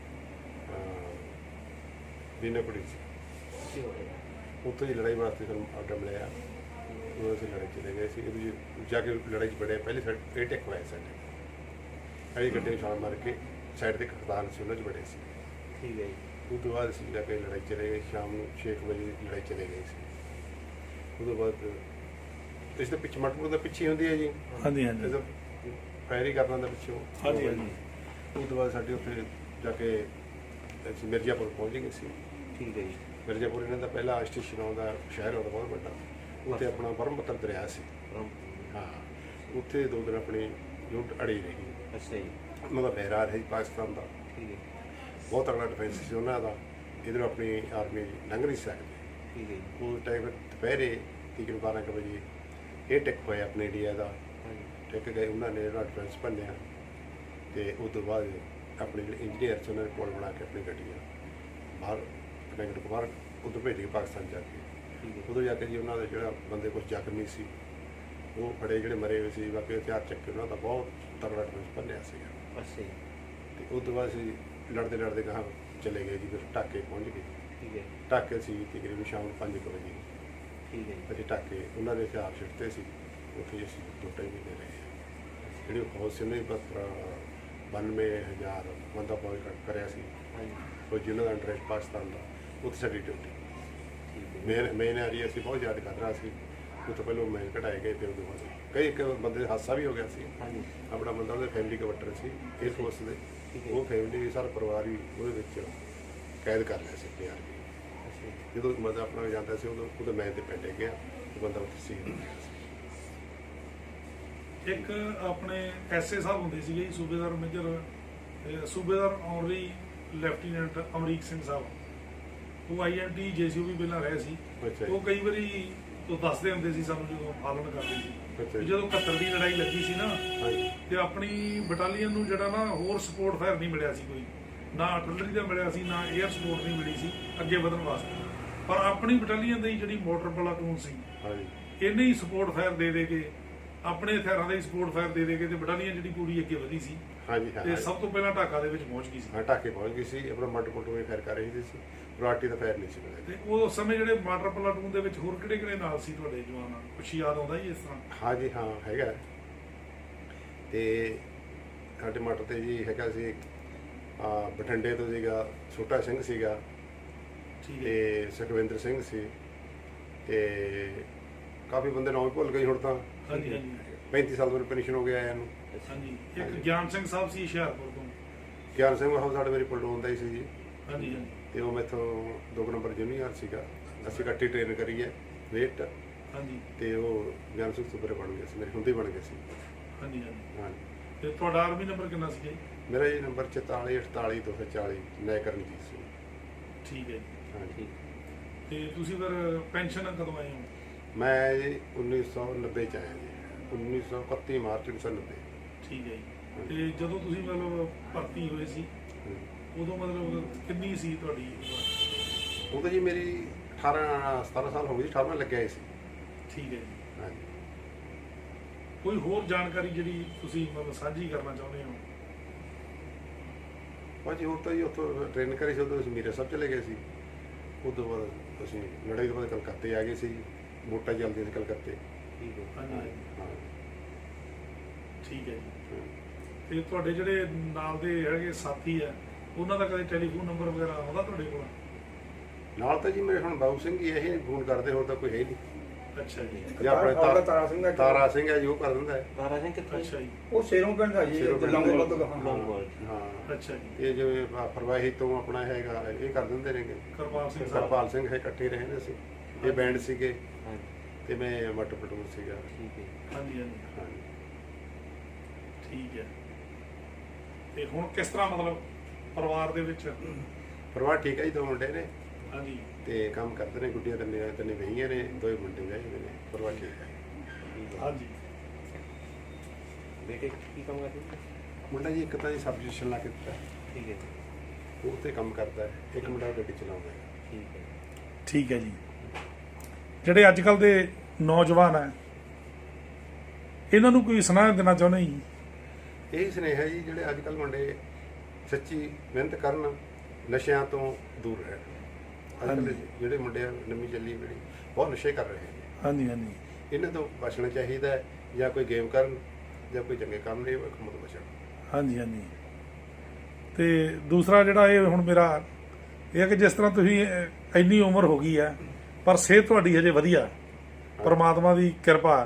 S4: ਬੀਨਾਪੁਰੀ ਸੀ। ਉੱਥੇ ਦੀ ਲੜਾਈ ਵਾਸਤੇ ਸਾਨੂੰ ਆਰਡਰ ਮਿਲਿਆ, ਉਹ ਅਸੀਂ ਲੜਾਈ ਚਲੇ ਗਏ ਸੀ। ਇਹਦੀ ਜਾ ਕੇ ਲੜਾਈ 'ਚ ਬੜਿਆ, ਪਹਿਲੇ ਸਾਡੇ ਏਟ ਇੱਕ ਹੋਇਆ ਸਾਡੇ ਅੜੀ ਗੱਡੇ ਨੂੰ ਛਾਲ ਮਾਰ ਕੇ ਸਾਈਡ 'ਤੇ ਖੜਤਾਲ ਸੀ, ਉਹਨਾਂ 'ਚ ਬੜੇ ਸੀ।
S2: ਠੀਕ ਹੈ ਜੀ।
S4: ਉਸ ਤੋਂ ਬਾਅਦ ਅਸੀਂ ਜਾ ਕੇ ਲੜਾਈ ਚਲੇ ਗਏ, ਸ਼ਾਮ ਨੂੰ ਛੇ ਕੁ ਵਜੇ ਲੜਾਈ ਚਲੇ ਗਏ ਸੀ। ਉਸ ਤੋਂ ਬਾਅਦ ਇਸ ਦੇ ਪਿੱਛੇ ਮਟਪੁਰ ਦਾ ਪਿੱਛੇ ਹੁੰਦੀ ਹੈ ਜੀ।
S1: ਹਾਂਜੀ ਹਾਂਜੀ।
S4: ਫਾਇਰ ਕਰਨਾ ਦਾ ਪਿੱਛੋਂ।
S1: ਹਾਂਜੀ ਹਾਂਜੀ।
S4: ਉਸ ਤੋਂ ਬਾਅਦ ਸਾਡੇ ਉੱਥੇ ਜਾ ਕੇ ਅਸੀਂ ਮਿਰਜ਼ਾਪੁਰ ਪਹੁੰਚ ਗਏ ਸੀ।
S2: ਠੀਕ ਹੈ ਜੀ।
S4: ਮਿਰਜ਼ਾਪੁਰ ਇਹਨਾਂ ਦਾ ਪਹਿਲਾ ਸਟੇਸ਼ਨ ਆਉਂਦਾ, ਸ਼ਹਿਰ ਆਉਂਦਾ ਬਹੁਤ ਵੱਡਾ। ਉੱਥੇ ਆਪਣਾ ਬਰਮਪੁੱਤਰ ਦਰਿਆ ਸੀ। ਹਾਂ, ਉੱਥੇ ਦੋ ਦਿਨ ਆਪਣੀ ਲੁੱਟ ਅੜੀ ਰਹੀ।
S2: ਅੱਛਾ ਜੀ।
S4: ਉਹਨਾਂ ਦਾ ਬਹਿਰਾਰ ਹੈ ਪਾਕਿਸਤਾਨ ਦਾ,
S2: ਠੀਕ ਹੈ।
S4: ਬਹੁਤ ਤਗੜਾ ਡਿਫੈਂਸ ਸੀ ਉਹਨਾਂ ਦਾ। ਇੱਧਰੋਂ ਆਪਣੀ ਆਰਮੀ ਲੰਘ ਨਹੀਂ ਸਕਦੀ।
S2: ਠੀਕ ਹੈ ਜੀ।
S4: ਉਸ ਟਾਈਮ ਦੁਪਹਿਰੇ ਤਕਰੀਬਨ ਬਾਰਾਂ ਕੁ ਵਜੇ ਇਹ ਟਿਕ ਹੋਇਆ ਆਪਣੇ ਇੰਡੀਆ ਦਾ। ਟਿਕ ਗਏ, ਉਹਨਾਂ ਨੇ ਜਿਹੜਾ ਡਿਫੈਂਸ ਭੰਨਿਆ, ਅਤੇ ਉਸ ਤੋਂ ਬਾਅਦ ਆਪਣੇ ਜਿਹੜੇ ਇੰਜੀਨੀਅਰ ਸੀ ਉਹਨਾਂ ਨੇ ਪੁਲ ਬਣਾ ਕੇ ਆਪਣੀ ਗੱਡੀਆਂ ਬਾਹਰ ਕਨੈਕਟ ਬਾਹਰ ਉੱਧਰ ਭੇਜ ਕੇ ਪਾਕਿਸਤਾਨ ਜਾ ਕੇ। ਉਦੋਂ ਜਾ ਕੇ ਜੀ ਉਹਨਾਂ ਦਾ ਜਿਹੜਾ ਬੰਦੇ ਕੁਛ ਜ਼ਖਮੀ ਸੀ, ਉਹ ਬੜੇ ਜਿਹੜੇ ਮਰੇ ਹੋਏ ਸੀ, ਬਾਕੀ ਹਥਿਆਰ ਚੱਕ ਕੇ ਉਹਨਾਂ ਦਾ ਬਹੁਤ ਤਗੜਾ ਡਿਫੈਂਸ ਭੰਨਿਆ ਸੀਗਾ।
S2: ਅੱਛਾ ਜੀ।
S4: ਅਤੇ ਉਸ ਤੋਂ ਬਾਅਦ ਅਸੀਂ ਲੜਦੇ ਲੜਦੇ ਗਾਹਾਂ ਚਲੇ ਗਏ ਜੀ, ਫਿਰ ਢਾਕੇ ਪਹੁੰਚ ਗਏ।
S2: ਠੀਕ ਹੈ।
S4: ਢਾਕੇ ਸੀ ਤਕਰੀਬਨ ਸ਼ਾਮ ਨੂੰ ਪੰਜ ਕੁ ਵਜੇ।
S2: ਠੀਕ ਹੈ ਜੀ।
S4: ਅਸੀਂ ਢਾਕੇ ਉਹਨਾਂ ਦੇ ਹਥਿਆਰ ਛਿੜਤੇ ਸੀ, ਉੱਥੇ ਅਸੀਂ ਦੋ ਢਾਈ ਮਹੀਨੇ ਰਹੇ। ਜਿਹੜੀ ਫੌਜ ਸੀ ਉਹਨੇ ਬਸ ਬਾਨਵੇਂ ਹਜ਼ਾਰ ਬੰਦਾ ਫੌਜ ਕਰਿਆ ਸੀ।
S2: ਹਾਂਜੀ।
S4: ਉਹ ਜਿਹਨਾਂ ਦਾ ਇੰਟਰਸਟ ਪਾਕਿਸਤਾਨ ਦਾ ਉੱਥੇ ਸਾਡੀ ਡਿਊਟੀ ਮੇਨ ਮੇਨ ਏਰੀਆ ਸੀ, ਬਹੁਤ ਜ਼ਿਆਦਾ ਖਤਰਾ ਸੀ। ਉਹ ਤੋਂ ਪਹਿਲਾਂ ਮੇਨ ਕਢਾਏ ਗਏ, ਫਿਰ ਉਹਦੇ ਬਾਅਦ ਕਈ ਇੱਕ ਬੰਦੇ ਦਾ ਹਾਦਸਾ ਵੀ ਹੋ ਗਿਆ ਸੀ।
S2: ਹਾਂਜੀ
S4: ਆਪਣਾ ਬੰਦਾ ਉਹਦੇ ਫੈਮਿਲੀ ਕਵਟਰ ਸੀ ਏਅਰ ਫੋਰਸ ਦੇ, ਉਹ ਫੈਮਿਲੀ ਸਾਰਾ ਪਰਿਵਾਰ ਵੀ ਉਹਦੇ ਵਿੱਚ ਕੈਦ ਕਰ ਲਿਆ ਸੀ ਪਿਆਰ ਵੀ। ਜਦੋਂ ਮਤਲਬ ਆਪਣਾ ਜਾਂਦਾ ਸੀ ਉਦੋਂ ਉਹਦੇ ਮੈਂ ਤੇ ਪੈਂਦੇ ਗਿਆ, ਉਹ ਬੰਦਾ ਉੱਥੇ ਸੀ।
S1: ਇੱਕ ਆਪਣੇ ਐਸਏ ਸਾਹਿਬ ਹੁੰਦੇ ਸੀਗੇ ਜੀ, ਸੂਬੇਦਾਰ ਮੇਜਰ ਅਹ ਸੂਬੇਦਾਰ ਆਨਰੀ ਲੈਫਟੀਨੈਂਟ ਅਮਰੀਕ ਸਿੰਘ ਸਾਹਿਬ, ਉਹ ਆਈ ਐਨ ਟੀ ਜੇ ਸੀ ਵੀ ਪਹਿਲਾਂ ਰਹੇ ਸੀ।
S4: ਅੱਛਾ ਜੀ।
S1: ਉਹ ਕਈ ਵਾਰੀ ਉਹ ਦੱਸਦੇ ਹੁੰਦੇ ਸੀ ਸਾਨੂੰ ਜਦੋਂ ਪਾਲਣ ਕਰਦੇ ਸੀ
S4: ਅੱਛਾ
S1: ਵੀ
S4: ਜੀ।
S1: ਜਦੋਂ ਇਕਹੱਤਰ ਦੀ ਲੜਾਈ ਲੱਗੀ ਸੀ ਨਾ,
S4: ਹਾਂਜੀ
S1: ਤੇ ਆਪਣੀ ਬਟਾਲੀਅਨ ਨੂੰ ਜਿਹੜਾ ਨਾ ਹੋਰ ਸਪੋਰਟ ਫਾਇਰ ਨਹੀਂ ਮਿਲਿਆ ਸੀ, ਕੋਈ ਨਾ ਆਰਟਿਲਰੀ ਦਾ ਮਿਲਿਆ ਸੀ, ਨਾ 에ਅਰ ਸਪੋਰਟ ਨਹੀਂ ਮਿਲੀ ਸੀ ਅੱਗੇ ਵਧਣ ਵਾਸਤੇ। ਪਰ ਆਪਣੀ ਬਟਾਲੀਅਨ ਦੀ ਜਿਹੜੀ ਮੋਟਰ ਪਲਾਟੂਨ ਸੀ,
S4: ਹਾਂਜੀ
S1: ਇਹਨੇ ਹੀ ਸਪੋਰਟ ਫਾਇਰ ਦੇ ਦੇ ਕੇ, ਆਪਣੇ ਹਥਿਆਰਾਂ ਦਾ ਹੀ ਸਪੋਰਟ ਫਾਇਰ ਦੇ ਦੇ ਕੇ ਤੇ ਬਟਾਲੀਅਨ ਜਿਹੜੀ ਪੂਰੀ ਅੱਗੇ ਵਧੀ ਸੀ
S4: ਹਾਂਜੀ
S1: ਤੇ
S4: ਹਾਂ
S1: ਸਭ ਤੋਂ ਪਹਿਲਾਂ ਢਾਕਾ ਦੇ ਵਿੱਚ ਪਹੁੰਚ ਗਈ ਸੀ।
S4: ਹਾਂ ਢਾਕੇ ਪਹੁੰਚ ਗਈ ਸੀ। ਆਪਣਾ ਮੱਟ ਪੁੱਟ ਵੀ ਫੈਰ ਕਰ ਰਹੀ ਸੀ, ਪਲਾਟੀ ਦਾ ਫੈਰ ਨਹੀਂ ਸੀ ਮਿਲਿਆ।
S1: ਤੇ ਉਸ ਸਮੇਂ ਜਿਹੜੇ ਮਾਟਰ ਪਲਾਟੂਨ ਦੇ ਵਿੱਚ ਹੋਰ ਕਿਹੜੇ ਕਿਹੜੇ ਨਾਲ ਸੀ ਤੁਹਾਡੇ ਜਵਾਨ? ਕੁਛ ਯਾਦ ਆਉਂਦਾ ਜੀ ਇਸ ਤਰ੍ਹਾਂ?
S4: ਹਾਂਜੀ ਹਾਂ ਹੈਗਾ। ਤੇ ਸਾਡੇ ਮੱਟ ਤੇ ਜੀ ਹੈਗਾ ਸੀ ਆ ਬਠਿੰਡੇ ਤੋਂ ਸੀਗਾ ਛੋਟਾ ਸਿੰਘ ਸੀਗਾ,
S1: ਠੀਕ ਹੈ
S4: ਤੇ ਸੁਖਵਿੰਦਰ ਸਿੰਘ ਸੀ, ਤੇ ਕਾਫੀ ਬੰਦੇ ਨਾਮ ਹੀ ਭੁੱਲ ਗਏ ਹੁਣ ਤਾਂ।
S1: ਹਾਂਜੀ ਹਾਂਜੀ
S4: ਪੈਂਤੀ ਸਾਲ ਤੋਂ ਪੈਨਸ਼ਨ ਹੋ ਗਿਆ ਇਹਨੂੰ।
S1: ਹਾਂਜੀ। ਇੱਕ ਗਿਆਨ ਸਿੰਘ ਸਾਹਿਬ ਸੀ ਹੁਸ਼ਿਆਰਪੁਰ ਤੋਂ।
S4: ਗਿਆਨ ਸਿੰਘ ਉਹ ਸਾਡੇ ਮੇਰੀ ਪਲਟੂਨ ਦਾ ਹੀ ਸੀ ਜੀ,
S1: ਹਾਂਜੀ ਹਾਂਜੀ
S4: ਤੇ ਉਹ ਮੈਥੋਂ ਦੋ ਕੁ ਨੰਬਰ ਜੂਨੀਅਰ ਸੀਗਾ। ਅਸੀਂ ਇਕੱਠੀ ਟ੍ਰੇਨ ਕਰੀ ਹੈ ਵੇਟ,
S1: ਹਾਂਜੀ
S4: ਤੇ ਉਹ ਗਿਆਨ ਸਿੰਘ ਸੁਪਰੇ ਬਣ ਗਿਆ ਸੀ, ਮੇਰੇ ਹੁੰਦੇ ਬਣ ਗਏ ਸੀ।
S1: ਹਾਂਜੀ ਹਾਂਜੀ।
S4: ਹਾਂਜੀ
S1: ਤੇ ਤੁਹਾਡਾ ਆਰਮੀ ਨੰਬਰ ਕਿੰਨਾ ਸੀ ਜੀ?
S4: ਮੇਰਾ ਜੀ ਨੰਬਰ ਚੁਤਾਲੀ ਅਠਤਾਲੀ ਦੋ ਸੌ ਚਾਲੀ ਨੈ ਕਰਨਜੀਤ ਸਿੰਘ।
S1: ਠੀਕ ਹੈ ਜੀ।
S4: ਹਾਂਜੀ
S1: ਤੇ ਤੁਸੀਂ ਫਿਰ ਪੈਨਸ਼ਨ ਕਦੋਂ ਆਏ ਹੋ?
S4: ਮੈਂ ਜੀ ਉੱਨੀ ਸੌ ਨੱਬੇ ਚ ਆਇਆ ਜੀ, ਉੱਨੀ ਸੌ ਇਕੱਤੀ ਮਾਰਚ ਉੱਨੀ ਸੌ ਨੱਬੇ।
S1: ਠੀਕ ਹੈ ਜੀ। ਤੇ ਜਦੋਂ ਤੁਸੀਂ ਮਤਲਬ ਭਰਤੀ ਹੋਏ ਸੀ ਉਦੋਂ ਮਤਲਬ ਕਿੰਨੀ ਸੀ ਤੁਹਾਡੀ ਉਮਰ?
S4: ਉਹ ਤਾਂ ਜੀ ਮੇਰੀ ਅਠਾਰਾਂ ਸਤਾਰਾਂ ਸਾਲ ਹੋ ਗਈ, ਅਠਾਰਵਾਂ ਲੱਗਿਆ ਸੀ।
S1: ਠੀਕ ਹੈ ਜੀ।
S4: ਹਾਂਜੀ
S1: ਕੋਈ ਹੋਰ ਜਾਣਕਾਰੀ ਜਿਹੜੀ ਤੁਸੀਂ ਮਤਲਬ ਸਾਂਝੀ ਕਰਨਾ ਚਾਹੁੰਦੇ ਹੋ?
S4: ਭਾਜੀ ਹੋਰ ਤਾਂ ਜੀ ਉੱਥੋਂ ਟ੍ਰੇਨ ਕਰੀ ਸੀ, ਉਦੋਂ ਅਸੀਂ ਮੀਰਾ ਸਾਹਿਬ ਚਲੇ ਗਏ ਸੀ। ਉਸ ਤੋਂ ਬਾਅਦ ਅਸੀਂ ਲੜਾਈ ਤੋਂ ਬਾਅਦ ਕਲਕੱਤੇ ਆ ਗਏ ਸੀ, ਵੋਟਾਂ ਚੱਲਦੀਆਂ ਸੀ ਕਲਕੱਤੇ।
S2: ਠੀਕ ਹੈ
S1: ਹਾਂਜੀ
S4: ਹਾਂ
S1: ਹਾਂਜੀ। ਠੀਕ ਹੈ ਜੀ।
S4: ਹਾਂ।
S1: ਤੇ ਤੁਹਾਡੇ ਜਿਹੜੇ ਨਾਲ ਦੇ ਹੈਗੇ ਸਾਥੀ ਆ, ਉਹਨਾਂ ਦਾ ਕਦੇ ਟੈਲੀਫੋਨ ਨੰਬਰ ਵਗੈਰਾ ਆਉਂਦਾ ਤੁਹਾਡੇ ਕੋਲ?
S4: ਨਾਲ ਤਾਂ ਜੀ ਮੇਰੇ ਹੁਣ ਬਾਬੂ ਸਿੰਘ ਹੀ ਇਹ ਫੋਨ ਕਰਦੇ, ਹੋਰ ਤਾਂ ਕੋਈ ਹੈ ਹੀ ਨਹੀਂ।
S1: ਅੱਛਾ ਜੀ।
S4: ਜਾਂ ਆਪਣੇ
S3: ਤਾਰਾ
S4: ਤਾ-
S3: ਤਾਰਾ ਸਿੰਘ ਦਾ
S4: ਤਾਰਾ ਸਿੰਘ ਹੈ ਜੀ, ਉਹ ਕਰ ਦਿੰਦਾ ਹੈ।
S2: ਤਾਰਾ ਸਿੰਘ ਕਿੱਥੋਂ?
S1: ਅੱਛਾ ਜੀ।
S3: ਉਹ ਸ਼ੇਰੋਂ ਪਿੰਡ ਦਾ ਜੀ,
S4: ਸ਼ੇਰੋਂ ਪਿੰਡ
S3: ਲੰਗੋਵਾਲ
S2: ਦਾ।
S3: ਤੋਂ ਹਾਂ।
S2: ਲੌਂਗੋਵਾਲ।
S4: ਹਾਂ
S1: ਅੱਛਾ ਜੀ।
S4: ਇਹ ਜਿਵੇਂ ਆਹ ਫਰਵਾਹੀ ਤੋਂ ਆਪਣਾ ਹੈਗਾ, ਇਹ ਕਰ ਦਿੰਦੇ ਨੇਗੇ।
S1: ਕਰਪਾਲ ਸਿੰਘ ਸਾਹਿਬ।
S4: ਕਰਪਾਲ ਸਿੰਘ ਹੈ, ਇਕੱਠੇ ਰਹੇ ਨੇ ਅਸੀਂ, ਇਹ ਬੈਂਡ ਸੀਗੇ
S2: ਹਾਂਜੀ
S4: ਤੇ ਮੈਂ ਮੱਟ ਪਟੂਰ ਸੀਗਾ।
S2: ਠੀਕ ਹੈ
S1: ਹਾਂਜੀ ਹਾਂਜੀ।
S4: ਹਾਂਜੀ
S1: ਠੀਕ ਹੈ। ਤੇ ਹੁਣ ਕਿਸ ਤਰ੍ਹਾਂ ਮਤਲਬ ਪਰਿਵਾਰ ਦੇ ਵਿੱਚ?
S4: ਪਰਿਵਾਰ ਠੀਕ ਹੈ ਜੀ, ਦੋ ਮੁੰਡੇ ਨੇ
S1: ਹਾਂਜੀ
S4: ਤੇ ਕੰਮ ਕਰਦੇ ਨੇ, ਗੁੱਡੀਆਂ ਤਿੰਨੇ ਤਿੰਨੇ ਵਹੀਆਂ ਨੇ, ਦੋਏ ਮੁੰਡੇ ਵਿਆਹੇ ਹੋਏ ਨੇ। ਪਰਿਵਾਰ ਠੀਕ ਹੈ।
S1: ਹਾਂਜੀ।
S2: ਬੇਟੇ ਕੀ ਕੰਮ ਕਰਦੇ ਹੋ?
S4: ਮੁੰਡਾ ਜੀ ਇੱਕ ਤਾਂ ਜੀ ਸਬਜੀਸ਼ਨ ਲਾ ਕੇ ਦਿੱਤਾ,
S2: ਠੀਕ ਹੈ
S4: ਉਹ ਤੇ ਕੰਮ ਕਰਦਾ ਹੈ। ਇੱਕ ਮੁੰਡਾ ਗੱਡੀ ਚਲਾਉਂਦਾ ਹੈ।
S2: ਠੀਕ ਹੈ
S1: ਠੀਕ ਹੈ ਜੀ। ਜਿਹੜੇ ਅੱਜ ਕੱਲ ਦੇ ਨੌਜਵਾਨ ਹੈ, ਇਹਨਾਂ ਨੂੰ ਕੋਈ ਸੁਨੇਹਾ ਦੇਣਾ ਚਾਹੁੰਦੇ ਜੀ?
S4: ਇਹੀ ਸੁਨੇਹਾ ਜੀ, ਜਿਹੜੇ ਅੱਜ ਕੱਲ੍ਹ ਮੁੰਡੇ ਸੱਚੀ ਮਿਹਨਤ ਕਰਨ, ਨਸ਼ਿਆਂ ਤੋਂ ਦੂਰ ਰਹਿਣ। ਅੱਜ ਕੱਲ੍ਹ ਜਿਹੜੇ ਮੁੰਡੇ ਆ, ਨਵੀਂ ਚੱਲੀ ਪੀੜ੍ਹੀ ਬਹੁਤ ਨਸ਼ੇ ਕਰ ਰਹੇ ਨੇ।
S1: ਹਾਂਜੀ ਹਾਂਜੀ।
S4: ਇਹਨਾਂ ਤੋਂ ਬਚਣਾ ਚਾਹੀਦਾ ਹੈ, ਜਾਂ ਕੋਈ ਗੇਮ ਕਰਨ ਜਾਂ ਕੋਈ ਚੰਗੇ ਕੰਮ ਲਈ ਕੰਮ ਤੋਂ ਬਚਣ।
S1: ਹਾਂਜੀ ਹਾਂਜੀ। ਤੇ ਦੂਸਰਾ ਜਿਹੜਾ ਇਹ ਹੁਣ ਮੇਰਾ ਇਹ ਹੈ ਕਿ ਜਿਸ ਤਰ੍ਹਾਂ ਤੁਸੀਂ ਅਹ, ਇੰਨੀ ਉਮਰ ਹੋ ਗਈ ਹੈ ਪਰ ਸਿਹਤ ਤੁਹਾਡੀ ਹਜੇ ਵਧੀਆ, ਪਰਮਾਤਮਾ ਦੀ ਕਿਰਪਾ।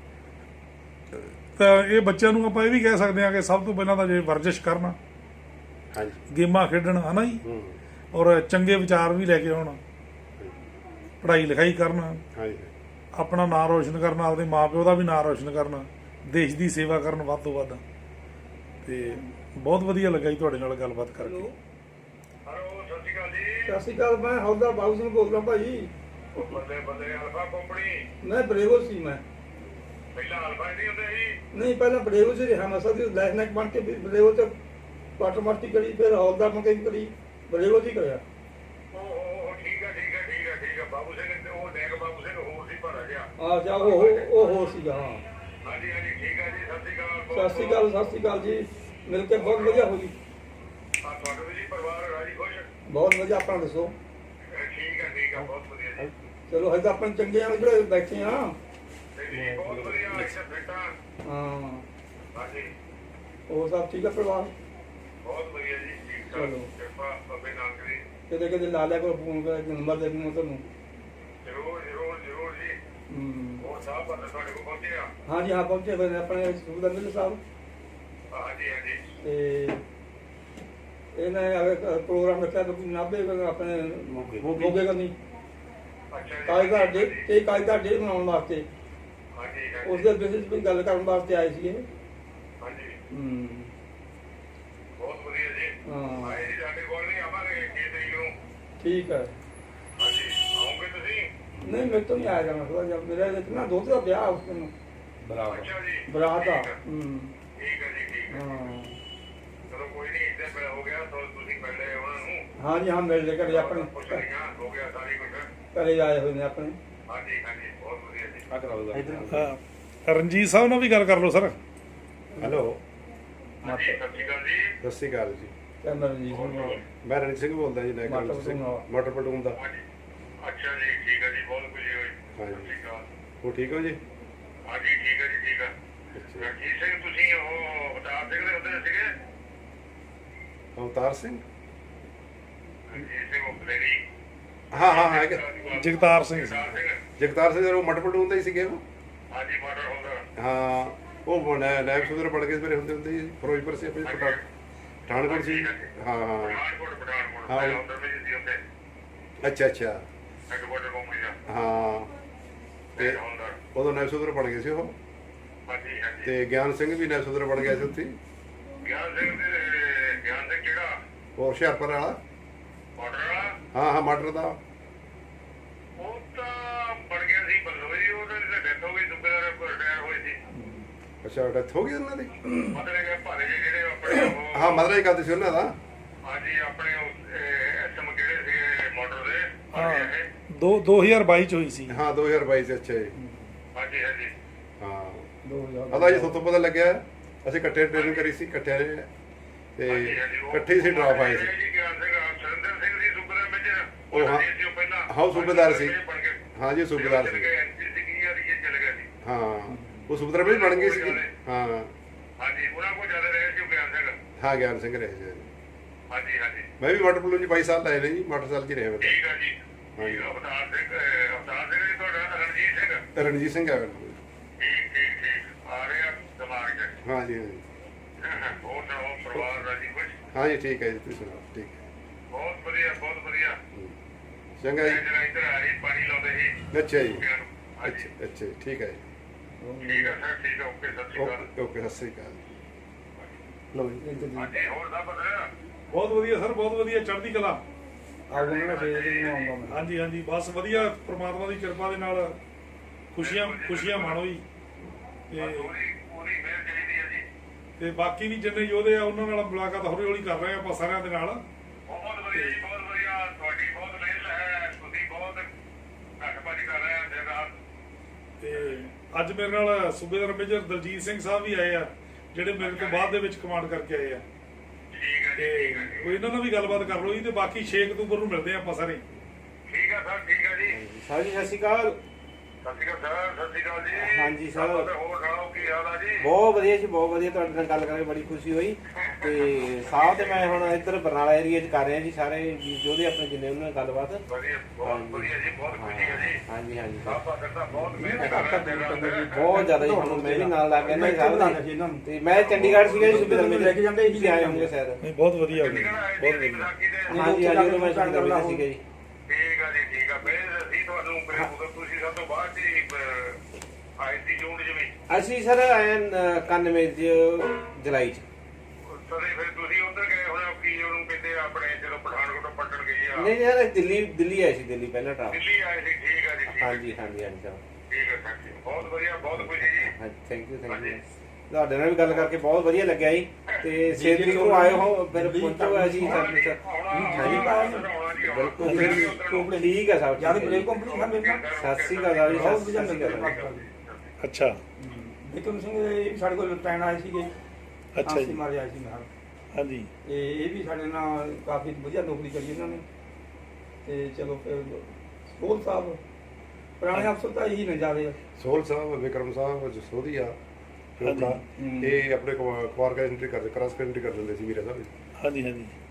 S1: ਤਾਂ ਇਹ ਬੱਚਿਆਂ ਨੂੰ ਆਪਾਂ ਇਹ ਵੀ ਕਹਿ ਸਕਦੇ ਹਾਂ ਕਿ ਸਭ ਤੋਂ ਪਹਿਲਾਂ ਤਾਂ ਜੇ ਵਰਜਿਸ਼ ਕਰਨ,
S4: ਹਾਂਜੀ
S1: ਗੇਮਾਂ ਖੇਡਣ, ਹਨਾ ਜੀ,
S4: ਹੂੰ
S1: ਔਰ ਚੰਗੇ ਵਿਚਾਰ ਵੀ ਲੈ ਕੇ ਆਉਣ, ਪੜ੍ਹਾਈ ਲਿਖਾਈ ਕਰਨ,
S4: ਹਾਂਜੀ
S1: ਆਪਣਾ ਨਾਂ ਰੋਸ਼ਨ ਕਰਨ, ਆਪਦੇ ਮਾਪਿਓ ਦਾ ਵੀ ਨਾਂ ਰੋਸ਼ਨ ਕਰਨ, ਦੇਸ਼ ਦੀ ਸੇਵਾ ਕਰਨ ਵੱਧ ਤੋਂ ਵੱਧ। ਤੇ ਬਹੁਤ ਵਧੀਆ ਲੱਗਾ ਜੀ ਤੁਹਾਡੇ ਨਾਲ ਗੱਲਬਾਤ ਕਰਕੇ।
S5: ਹੈਲੋ ਸਤਿ ਸ਼੍ਰੀ ਅਕਾਲ ਜੀ।
S3: ਸਤਿ ਸ਼੍ਰੀ ਅਕਾਲ, ਮੈਂ ਹੌਲਦਾਰ ਬਾਬੂ ਸਿੰਘ ਬੋਲਦਾ ਭਾਜੀ।
S5: ਉਹ ਬੱਲੇ ਬੱਲੇ ਅਲਫਾ ਕੰਪਨੀ।
S3: ਮੈਂ ਬਰੇਵੋ ਸੀ। ਮੈਂ
S5: ਪਹਿਲਾਂ ਅਲਫਾ ਨਹੀਂ ਹੁੰਦੇ ਸੀ।
S3: ਨਹੀਂ, ਪਹਿਲਾਂ ਬਰੇਵੋ 'ਚ ਰਿਹਾ ਮੈਂ। ਸਦੀ ਲੈਫਟਨੈਂਟ ਬਣ ਕੇ ਫਿਰ ਬਰੇਵੋ 'ਚ ਕੁਆਟਰ ਮਾਸਟਰੀ ਕਰੀ, ਫਿਰ ਹੌਲਦਾਰ ਬਣ ਕੇ ਵੀ ਕਰੀ, ਬਰੇਵੋ 'ਚ ਹੀ ਕਰਿਆ।
S5: ਉਹ ਉਹ ਠੀਕ ਹੈ ਠੀਕ ਹੈ ਠੀਕ ਹੈ ਠੀਕ ਹੈ। ਬਾਬੂ ਸਿੰਘ ਤੇ ਉਹ ਨੇਕ ਬਾਬੂ ਸਿੰਘ ਹੋਰ ਸੀ ਭਰਾ ਗਿਆ।
S3: ਆ ਜਾ ਉਹ ਉਹ ਹੋਰ ਸੀਗਾ। ਹਾਂ
S5: ਹਾਂਜੀ ਹਾਂਜੀ ਠੀਕ ਹੈ ਜੀ। ਸਤਿ ਸ਼੍ਰੀ ਅਕਾਲ।
S3: ਸਤਿ ਸ਼੍ਰੀ ਅਕਾਲ, ਸਤਿ ਸ਼੍ਰੀ ਅਕਾਲ ਜੀ। ਮਿਲ ਕੇ ਬਹੁਤ ਵਧੀਆ ਹੋਈ।
S5: ਆ ਤੁਹਾਡਾ ਵੀ ਜੀ ਪਰਿਵਾਰ ਰਾਜੀ ਖੁਸ਼?
S3: ਬਹੁਤ ਵਧੀਆ। ਆਪਣਾ ਦੱਸੋ?
S5: ਅਹ ਠੀਕ ਹੈ ਠੀਕ ਹੈ ਬਹੁਤ ਵਧੀਆ ਜੀ।
S3: ਚਲੋ ਹਜੇ ਤਾਂ ਆਪਾਂ ਚੰਗੇ ਆ ਜਿਹੜੇ ਬੈਠੇ ਆ।
S5: ਨਹੀਂ ਨਹੀਂ ਬਹੁਤ ਵਧੀਆ ਇੱਥੇ ਬੈਠਾ।
S3: ਹਾਂ
S5: ਹਾਂਜੀ
S3: ਉਹ ਸਭ ਠੀਕ ਆ ਪਰਿਵਾਰ?
S5: ਬਹੁਤ ਵਧੀਆ ਜੀ। ਠੀਕ ਠਾਕ
S3: ਚਲੋ।
S5: ਕਿਰਪਾ ਬਾਬੇ ਨਾਨਕ ਦੀ।
S3: ਕਿਤੇ ਕਿਤੇ ਲਾ ਲਿਆ ਕੋਲ ਫੋਨ ਕਰ ਨੰਬਰ ਦੇ ਦੂੰਗਾ ਤੁਹਾਨੂੰ।
S5: ਜ਼ਰੂਰ ਜ਼ਰੂਰ ਜ਼ਰੂਰ ਜੀ।
S3: ਹੂੰ
S5: ਹੋਰ ਸਾਹਿਬ ਬੰਦੇ ਤੁਹਾਡੇ ਕੋਲ ਪਹੁੰਚੇ ਆ?
S3: ਹਾਂਜੀ ਹਾਂ ਪਹੁੰਚੇ ਹੋਏ ਨੇ ਆਪਣੇ ਸੂਬਾ ਮਿਲ ਸਾਹਿਬ
S5: ਹਾਂਜੀ ਹਾਂਜੀ।
S3: ਤੇ ਇਹਨਾਂ ਨੇ ਪ੍ਰੋਗਰਾਮ ਰੱਖਿਆ ਤਾਂ ਨਾਭੇ ਆਪਣੇ ਮੋਗੇ ਕਰਨੀ
S5: ਅੱਛਾ ਜੀ।
S3: ਕਾਇਦਾ ਡੇ ਤੇ ਕਾਇਦਾ ਡੇ ਬਣਾਉਣ ਵਾਸਤੇ
S5: ਹਾਂਜੀ
S3: ਉਸ
S5: ਹਾਂਜੀ
S3: ਦੇ ਬੇਸਿਸ ਤੇ ਗੱਲ ਕਰਨ ਵਾਸਤੇ ਆਏ ਸੀ ਇਹ।
S5: ਹਾਂਜੀ।
S3: ਹੂੰ
S5: ਬਹੁਤ ਵਧੀਆ ਜੀ।
S3: ਹਾਂ
S5: ਆਏ ਜੀ ਸਾਡੇ ਕੋਲ ਨਹੀਂ ਆਵਾਂਗੇ ਛੇ ਤਰੀਕ ਨੂੰ।
S3: ਠੀਕ ਹੈ।
S5: ਹਾਂਜੀ ਆਉਂਗੇ ਤੁਸੀਂ?
S3: ਨਹੀਂ ਮੇਰੇ ਤੋਂ ਨਹੀਂ ਆਇਆ ਜਾਣਾ ਥੋੜਾ ਜਿਹਾ ਮੇਰਾ ਇਤਨਾ ਦੋਸਤ ਦਾ ਵਿਆਹ ਉਸ ਦਿਨ
S5: ਅੱਛਾ ਜੀ।
S3: ਬਰਾਤ ਦਾ।
S5: ਠੀਕ ਹੈ।
S3: ਹੂੰ
S5: ਠੀਕ ਹੈ ਜੀ ਠੀਕ ਹੈ।
S3: ਹਾਂ
S5: ਚਲੋ ਕੋਈ ਨਹੀਂ ਇੱਥੇ ਪਿਆ ਹੋ ਗਿਆ ਤਾਂ ਤੁਸੀਂ ਮਿਲੇ ਉਹਨਾਂ ਨੂੰ।
S3: ਹਾਂਜੀ ਹਾਂ ਮਿਲ ਲੈ ਘਰੇ ਆਪਣੇ
S5: ਪੁੱਛ ਲਈਆਂ ਹੋ ਗਿਆ ਸਾਰੀ ਕੁਝ।
S3: ਘਰੇ ਆਏ ਹੋਏ ਨੇ ਆਪਣੇ।
S5: ਹਾਂਜੀ ਹਾਂਜੀ ਬਹੁਤ ਵਧੀਆ ਜੀ।
S2: ਆ ਕਰਾਓ
S1: ਹਾਂ ਰਣਜੀਤ ਸਾਹਿਬ ਨਾਲ ਵੀ ਗੱਲ ਕਰ ਲਓ ਸਰ।
S4: ਹੈਲੋ
S5: ਹਾਂਜੀ ਸਤਿ ਸ਼੍ਰੀ ਅਕਾਲ ਜੀ।
S4: ਸਤਿ ਸ਼੍ਰੀ ਅਕਾਲ ਜੀ।
S3: ਕਹਿੰਦਾ ਜੀ ਸੁਣੋ
S4: ਮੈਂ ਰਣਜੀਤ ਸਿੰਘ ਬੋਲਦਾ ਜੀ ਨਾਇਕ
S3: ਮਟਰ
S4: ਸਿੰਘ
S3: ਪਟੂਨ।
S4: ਮਟਰ ਪਟੂਨ ਦਾ।
S5: ਹਾਂਜੀ ਅੱਛਾ ਜੀ ਠੀਕ ਹੈ ਜੀ ਬਹੁਤ ਖੁਸ਼ੀ ਹੋਈ।
S4: ਹਾਂਜੀ।
S5: ਸਤਿ ਸ਼੍ਰੀ ਅਕਾਲ।
S4: ਹੋ ਠੀਕ ਹੋ ਜੀ?
S5: ਹਾਂਜੀ ਠੀਕ ਹੈ ਜੀ ਠੀਕ ਹੈ।
S4: ਅੱਛਾ।
S5: ਰਣਜੀਤ ਸਿੰਘ ਤੁਸੀਂ ਉਹ ਅਵਤਾਰ ਸਿੰਘ ਦੇ ਹੁੰਦੇ ਸੀਗੇ?
S4: ਅਵਤਾਰ ਸਿੰਘ?
S5: ਰਣਜੀਤ ਸਿੰਘ ਉਹ ਬਲੇਰੀ।
S4: ਹਾਂ ਹਾਂ ਹਾਂ ਹੈਗਾ।
S1: ਜਗਤਾਰ ਸਿੰਘ ਸੀ।
S5: ਅਵਤਾਰ ਸਿੰਘ।
S4: ਜਗਤਾਰ ਸਿੰਘ ਉਹ ਮਟਰ ਪਟੂਨ ਦਾ ਹੀ ਸੀਗੇ ਉਹ।
S5: ਹਾਂਜੀ ਮਾਡਲ ਹੁੰਦਾ।
S4: ਹਾਂ ਉਹ ਨਾਇਬ ਸੁਧਰ ਪੜ ਕੇ ਮੇਰੇ ਹੁੰਦੇ ਹੁੰਦੇ ਜੀ ਫਿਰੋਜ਼ਪੁਰ ਸੀ ਆਪਣੇ ਪਠਾ ਪਠਾਨਕੋਟ ਸੀ। ਹਾਂ ਹਾਂ
S5: ਪਠਾਨਕੋਟ ਪਠਾਨਕੋਟ
S4: ਹਾਂ।
S5: ਪਹਿਲਾਂ ਹੁੰਦਾ ਵੀ ਸੀ ਉੱਥੇ
S4: ਅੱਛਾ ਅੱਛਾ
S5: ਹੈਡਕੁਆਟਰ ਕੰਪਨੀ ਦਾ।
S4: ਹਾਂ ਤੇ
S5: ਤੇ ਹੁੰਦਾ।
S4: ਉਦੋਂ ਨਾਇਬ ਸੁਧਰ ਬਣ ਗਏ ਸੀ ਉਹ।
S5: ਹਾਂਜੀ ਹਾਂਜੀ।
S4: ਤੇ ਗਿਆਨ ਸਿੰਘ ਵੀ ਨਾਇਬ ਸੁਧਰ ਬਣ ਗਿਆ ਸੀ ਉੱਥੇ।
S5: ਗਿਆਨ ਸਿੰਘ ਦੇ ਗਿਆਨ ਸਿੰਘ ਕਿਹੜਾ?
S4: ਉਹ ਹੁਸ਼ਿਆਰਪੁਰ ਵਾਲਾ।
S5: ਮਾਡਲ ਵਾਲਾ?
S4: ਹਾਂ ਹਾਂ ਮਟਰ ਦਾ।
S5: ਉਹ ਤਾਂ ਬਣ ਗਿਆ ਸੀ ਬੱਲੋ ਜੀ। ਉਹਦੇ ਤੇ ਡੈਥ ਹੋ ਗਈ ਸੁਬੇਦਾਰ ਰਿਟਾਇਰ ਹੋਏ ਸੀ।
S4: ਅੱਛਾ ਡੈਥ ਹੋ ਗਈ ਉਹਨਾਂ ਦੀ?
S5: ਮਤਲਬ ਕਿ ਭਾਰੇ ਜਿਹੇ ਜਿਹੜੇ ਆਪਣੇ ਉਹ
S4: ਹਾਂ ਮਦਰਾ ਹੀ ਕਰਦੇ ਸੀ ਉਹਨਾਂ ਦਾ।
S5: ਹਾਂਜੀ ਆਪਣੇ ਐਸਐਮ ਕਿਹੜੇ ਸੀਗੇ ਮਾਡਲ ਦੇ?
S1: ਹਾਂ
S5: ਹਾਂਜੀ
S1: ਦੋ 2022 ਚ ਹੋਈ ਸੀ।
S4: ਹਾਂ ਦੋ ਹਜ਼ਾਰ ਬਾਈ ਚ। ਅੱਛਾ ਜੀ।
S5: ਹਾਂਜੀ ਹਾਂਜੀ।
S4: ਹਾਂ
S3: ਦੋ ਹਜ਼ਾਰ
S4: ਅਦਾ ਜੀ ਤੁਹਾਨੂੰ ਪਤਾ ਲੱਗਿਆ ਅਸੀਂ ਇਕੱਠੇ ਟ੍ਰੇਨਿੰਗ ਕਰੀ ਸੀ ਇਕੱਠਿਆਂ ਨੇ ਤੇ ਇਕੱਠੇ ਹੀ ਸੀ ਡਰਾਪ ਆਏ ਸੀ।
S5: ਜੀ ਗਿਆਨ ਸਿੰਘ ਸੁਰਿੰਦਰ ਸਿੰਘ ਸੀ ਸੁਬੇਦਾਰ ਮੇਜਰ।
S4: ਉਹ ਹਾਂ।
S5: ਸੀ ਉਹ ਪਹਿਲਾਂ।
S4: ਹਾਂ, ਉਹ ਸੂਬੇਦਾਰ ਸੀ।
S5: ਬਣ ਗਏ।
S4: ਹਾਂ ਜੀ ਸੂਬੇਦਾਰ ਸੀ।
S5: ਐਨਸੀਸੀ ਕੀ ਯਾਰ ਇਹ ਚਲੇ ਗਿਆ ਸੀ।
S4: ਹਾਂ ਉਹ ਸੂਬੇਦਾਰ ਵੀ ਬਣ ਗਈ ਸੀ। ਹਾਂ
S5: ਹਾਂਜੀ ਉਹਨਾਂ ਕੋਲ ਜ਼ਿਆਦਾ ਰਹੇ ਸੀ ਉਹ ਗਿਆਨ ਸਿੰਘ।
S4: ਹਾਂ ਗਿਆਨ ਸਿੰਘ ਰਹੇ ਸੀ।
S5: ਹਾਂਜੀ ਹਾਂਜੀ
S4: ਮੈਂ ਵੀ ਮਟਰ ਪਲੂ ਜੀ ਬਾਈ ਸਾਲ ਲਾਏ ਨੇ ਜੀ ਮੋਟਰਸਾਈਕਲ 'ਚ ਹੀ ਰਿਹਾ ਮੈਂ
S5: ਠੀਕ ਹੈ ਜੀ।
S4: ਹਾਂਜੀ।
S5: ਠੀਕ ਆ, ਅਵਤਾਰ ਸਿੰਘ ਅਹ, ਅਵਤਾਰ ਸਿੰਘ ਜੀ ਤੁਹਾਡਾ ਰਣਜੀਤ ਸਿੰਘ।
S4: ਤਾਂ। ਰਣਜੀਤ ਸਿੰਘ ਆ
S5: ਠੀਕ ਠੀਕ ਠੀਕ ਆ ਰਿਹਾ ਦਿਮਾਗ 'ਚ।
S4: ਹਾਂ ਜੀ ਹਾਂ ਜੀ
S5: ਹੋਰ ਸੁਣਾਓ ਪਰਿਵਾਰ ਰਾਜੀ ਖੁਸ਼?
S4: ਹਾਂ ਜੀ ਠੀਕ ਹੈ ਜੀ ਤੁਸੀਂ ਸੁਣਾਓ ਠੀਕ ਹੈ
S5: ਬਹੁਤ ਵਧੀਆ ਬਹੁਤ ਵਧੀਆ।
S4: ਚੰਗਾ
S5: ਮੈਂ
S4: ਜੀ।
S5: ਜਿਹੜਾ ਇੱਧਰ ਆਈ ਪਾਣੀ ਲਾਉਂਦੇ ਸੀ
S4: ਅੱਛਾ ਜੀ
S5: ਕੁੱਤਿਆਂ ਨੂੰ। ਹਾਂਜੀ
S4: ਅੱਛਾ ਅੱਛਾ ਜੀ ਠੀਕ ਹੈ ਜੀ
S5: ਠੀਕ ਹੈ ਸਰ ਠੀਕ ਹੈ ਓਕੇ ਸਤਿ ਸ਼੍ਰੀ ਅਕਾਲ।
S4: ਓਕੇ ਓਕੇ ਸਤਿ ਸ੍ਰੀ ਅਕਾਲ ਲਓ ਜੀ।
S5: ਹਾਂਜੀ ਹੋਰ ਸਭ ਵਧੀਆ?
S1: ਬਹੁਤ ਵਧੀਆ ਸਰ ਬਹੁਤ ਵਧੀਆ ਚੜ੍ਹਦੀ ਕਲਾ।
S3: ਆਉਂਗਾ ਨਾ ਫੇਰ ਨੂੰ ਆਉਂਗਾ ਮੈਂ।
S1: ਹਾਂਜੀ ਹਾਂਜੀ ਬਸ ਵਧੀਆ ਪ੍ਰਮਾਤਮਾ ਦੀ ਕਿਰਪਾ ਦੇ ਨਾਲ ਖੁਸ਼ੀਆਂ ਖੁਸ਼ੀਆਂ ਮਾਣੋ ਜੀ। ਤੇ
S5: ਪੂਰੀ ਪੂਰੀ ਮਿਹਰ ਚਾਹੀਦੀ ਹੈ ਜੀ।
S1: ਤੇ ਬਾਕੀ ਵੀ ਜਿੰਨੇ ਯੋਧੇ ਆ ਉਹਨਾਂ ਨਾਲ ਮੁਲਾਕਾਤ ਹੌਲੀ ਹੌਲੀ ਕਰ ਰਹੇ ਆ ਆਪਾਂ ਸਾਰਿਆਂ ਦੇ ਨਾਲ।
S5: ਬਹੁਤ ਵਧੀਆ ਜੀ ਬਹੁਤ ਵਧੀਆ। ਤੁਹਾਡੀ ਬਹੁਤ ਮਿਹਨਤ ਹੈ। ਤੁਸੀਂ ਬਹੁਤ ਘੱਟ ਭੱਜ ਕਰ ਰਹੇ ਹੋ ਦਿਨ ਰਾਤ।
S1: ਤੇ ਅੱਜ ਮੇਰੇ ਨਾਲ ਸੂਬੇਦਾਰ ਮੇਜਰ ਦਲਜੀਤ ਸਿੰਘ ਸਾਹਿਬ ਵੀ ਆਏ ਆ ਜਿਹੜੇ ਮੇਰੇ ਤੋਂ ਬਾਅਦ ਦੇ ਵਿੱਚ ਕਮਾਂਡ ਕਰਕੇ ਆਏ ਆ।
S5: ਠੀਕ ਹੈ
S1: ਤੇ
S5: ਜੀ ਠੀਕ ਹੈ ਜੀ।
S1: ਕੋਈ ਇਹਨਾਂ ਨਾਲ ਵੀ ਗੱਲਬਾਤ ਕਰ ਲਓ ਜੀ ਤੇ ਬਾਕੀ ਛੇ ਅਕਤੂਬਰ ਨੂੰ ਮਿਲਦੇ ਆ ਆਪਾਂ ਸਾਰੇ।
S5: ਠੀਕ ਹੈ ਸਰ ਠੀਕ ਹੈ ਜੀ।
S2: ਸਾਹਿਬ ਜੀ ਸਤਿ ਸ਼੍ਰੀ ਅਕਾਲ।
S5: ਸਤਿ ਸ਼੍ਰੀ ਅਕਾਲ ਸਰ ਸਤਿ ਸ਼੍ਰੀ ਅਕਾਲ ਜੀ।
S2: ਹਾਂਜੀ ਸਰ।
S5: ਹੋਰ ਸੁਣਾਓ ਕੀ ਹਾਲ ਆ ਜੀ?
S2: ਬਹੁਤ ਵਧੀਆ ਜੀ ਬਹੁਤ ਵਧੀਆ ਤੁਹਾਡੇ ਨਾਲ ਗੱਲ ਕਰਕੇ ਬੜੀ ਖੁਸ਼ੀ ਹੋਈ। ਤੇ ਸਾਹਿਬ ਤੇ ਮੈਂ ਹੁਣ ਇੱਧਰ ਬਰਨਾਲਾ ਏਰੀਆ 'ਚ ਕਰ ਰਿਹਾ ਜੀ ਸਾਰੇ ਵੀਰ ਯੋਧੇ ਆਪਣੇ ਜਿੰਨੇ ਉਹਨਾਂ ਨਾਲ ਗੱਲਬਾਤ।
S5: ਵਧੀਆ ਬਹੁਤ ਵਧੀਆ ਜੀ ਬਹੁਤ ਖੁਸ਼ੀ ਹੈ ਜੀ।
S2: ਹਾਂਜੀ ਹਾਂਜੀ
S5: ਸਾਹਿਬ ਬਾਦਰ ਦਾ ਬਹੁਤ ਮਿਹਨਤ ਕਰ ਰਿਹਾ ਦਿਨ ਰਾਤ।
S2: ਬਹੁਤ ਜ਼ਿਆਦਾ ਜੀ ਹੁਣ ਮੈਂ ਵੀ ਨਾਲ ਲੱਗ ਗਿਆ ਨਾ
S3: ਇੱਥੇ
S2: ਸਾਹਿਬ
S3: ਬਣਾ ਲਿਆ
S2: ਦੇ।
S3: ਸੀ ਇਹਨਾਂ ਨੂੰ।
S2: ਤੇ ਮੈਂ ਚੰਡੀਗੜ੍ਹ ਸੀਗਾ ਜੀ ਸੁਬੇਦਾਰ
S3: ਲੈ ਕੇ ਜਾਂਦੇ
S2: ਤੁਸੀਂ ਆਏ ਹੋਣਗੇ ਸ਼ਾਇਦ।
S1: ਨਹੀਂ ਬਹੁਤ ਵਧੀਆ ਹੋ
S5: ਚੰਡੀਗੜ੍ਹ
S1: ਗਿਆ
S5: ਆਏ
S1: ਬਹੁਤ
S5: ਸੀ
S1: ਵਧੀਆ।
S5: ਵਿਸਾਖੀ ਦੇ।
S2: ਹਾਂਜੀ ਹਾਂਜੀ ਉਦੋਂ ਮੈਂ ਸੁਬੇਦਾਰ ਮੇਜਰ ਸੀਗਾ ਜੀ।
S5: ਠੀਕ ਆ ਜੀ ਠੀਕ ਆ। ਫਿਰ ਅਸੀਂ ਤੁਹਾਨੂੰ ਫਿਰ ਉਦੋਂ ਤੁਸੀਂ ਸਭ ਤੋਂ ਬਾਅਦ ਜੀ ਅਹ, ਆਏ ਸੀ ਜੂਨ ਜਿਵੇਂ।
S2: ਅਸੀਂ ਸਰ ਆਏ ਇਕਾਨਵੇਂ ਚ ਜੁਲਾਈ ਚ।
S5: ਸਦੇ ਫਿਰ ਤੁਸੀਂ ਉੱਧਰ ਗਏ ਹੋਣੇ ਕੀ ਉਹਨੂੰ ਕਹਿੰਦੇ ਆ ਆਪਣੇ ਜਦੋਂ ਪਠਾਨਕੋਟ ਪੱਟਣ ਗਏ ਆ।
S2: ਨਹੀਂ ਯਾਰ ਦਿੱਲੀ ਦਿੱਲੀ ਆਏ ਸੀ ਦਿੱਲੀ ਪਹਿਲਾਂ ਟਰਾਪ।
S5: ਦਿੱਲੀ ਆਏ ਸੀ ਠੀਕ ਆ ਜੀ ਠੀਕ ਆ।
S2: ਹਾਂਜੀ ਹਾਂਜੀ ਹਾਂਜੀ ਸਰ
S5: ਠੀਕ ਹੈ ਸਰ ਜੀ ਬਹੁਤ ਵਧੀਆ ਬਹੁਤ ਖੁਸ਼ੀ ਜੀ।
S2: ਹਾਂਜੀ ਥੈਂਕ ਯੂ ਥੈਂਕ ਯੂ ਤੁਹਾਡੇ ਨਾਲ ਵੀ ਗੱਲ ਕਰਕੇ ਬਹੁਤ ਵਧੀਆ ਲੱਗਿਆ ਜੀ। ਤੇ ਛੇ ਤਰੀਕ ਨੂੰ ਆਏ ਹੋ ਫਿਰ ਪਹੁੰਚੋ ਜੀ ਸਰ ਸਰ ਬਿਲਕੁਲ ਬਿਲਕੁਲ ਠੀਕ ਹੈ ਸਾਹਿਬ
S3: ਯਾਰ
S2: ਠੀਕ ਹੈ
S3: ਬਲੇਕ
S2: ਜੀ।
S3: ਕੰਪਨੀ ਖਾਂਦੇ ਨਾ
S2: ਸਤਿ ਸ਼੍ਰੀ ਅਕਾਲ ਜੀ
S3: ਬਹੁਤ
S2: ਸਤਿ
S3: ਵਧੀਆ
S2: ਸ਼੍ਰੀ ਅਕਾਲ
S3: ਲੱਗਿਆ।
S1: ਅੱਛਾ
S3: ਬਿਕਰਮ ਸਿੰਘ ਇਹ ਵੀ ਸਾਡੇ ਕੋਲ ਪੈਣ ਆਏ ਸੀਗੇ।
S1: ਅੱਛਾ ਜੀ
S3: ਮਾਰੇ ਆਏ ਸੀ ਨਾਲ।
S1: ਹਾਂਜੀ
S3: ਤੇ ਇਹ ਵੀ ਸਾਡੇ ਨਾਲ ਕਾਫੀ ਵਧੀਆ ਨੌਕਰੀ ਕਰੀ ਇਹਨਾਂ ਨੇ। ਤੇ ਚਲੋ ਫਿਰ ਸੋਲ ਸਾਹਿਬ ਪੁਰਾਣੇ ਅਫਸਰ ਤਾਂ ਇਹੀ ਨੇ ਜ਼ਿਆਦੇ।
S4: ਸੋਹਲ ਸਾਹਿਬ ਵਿਕਰਮ ਸਾਹਿਬ ਜਸੋਦੀਆ
S1: ਹਾਂਜੀ।
S4: ਇਹ ਆਪਣੇ ਕੁਆਰ ਕਾ ਐਂਟਰੀ ਕਰਦੇ ਕ੍ਰਾਸ ਐਂਟਰੀ ਕਰ ਦਿੰਦੇ ਸੀ ਵੀਰੇ ਸਾਹਿਬ।
S1: ਹਾਂਜੀ ਹਾਂਜੀ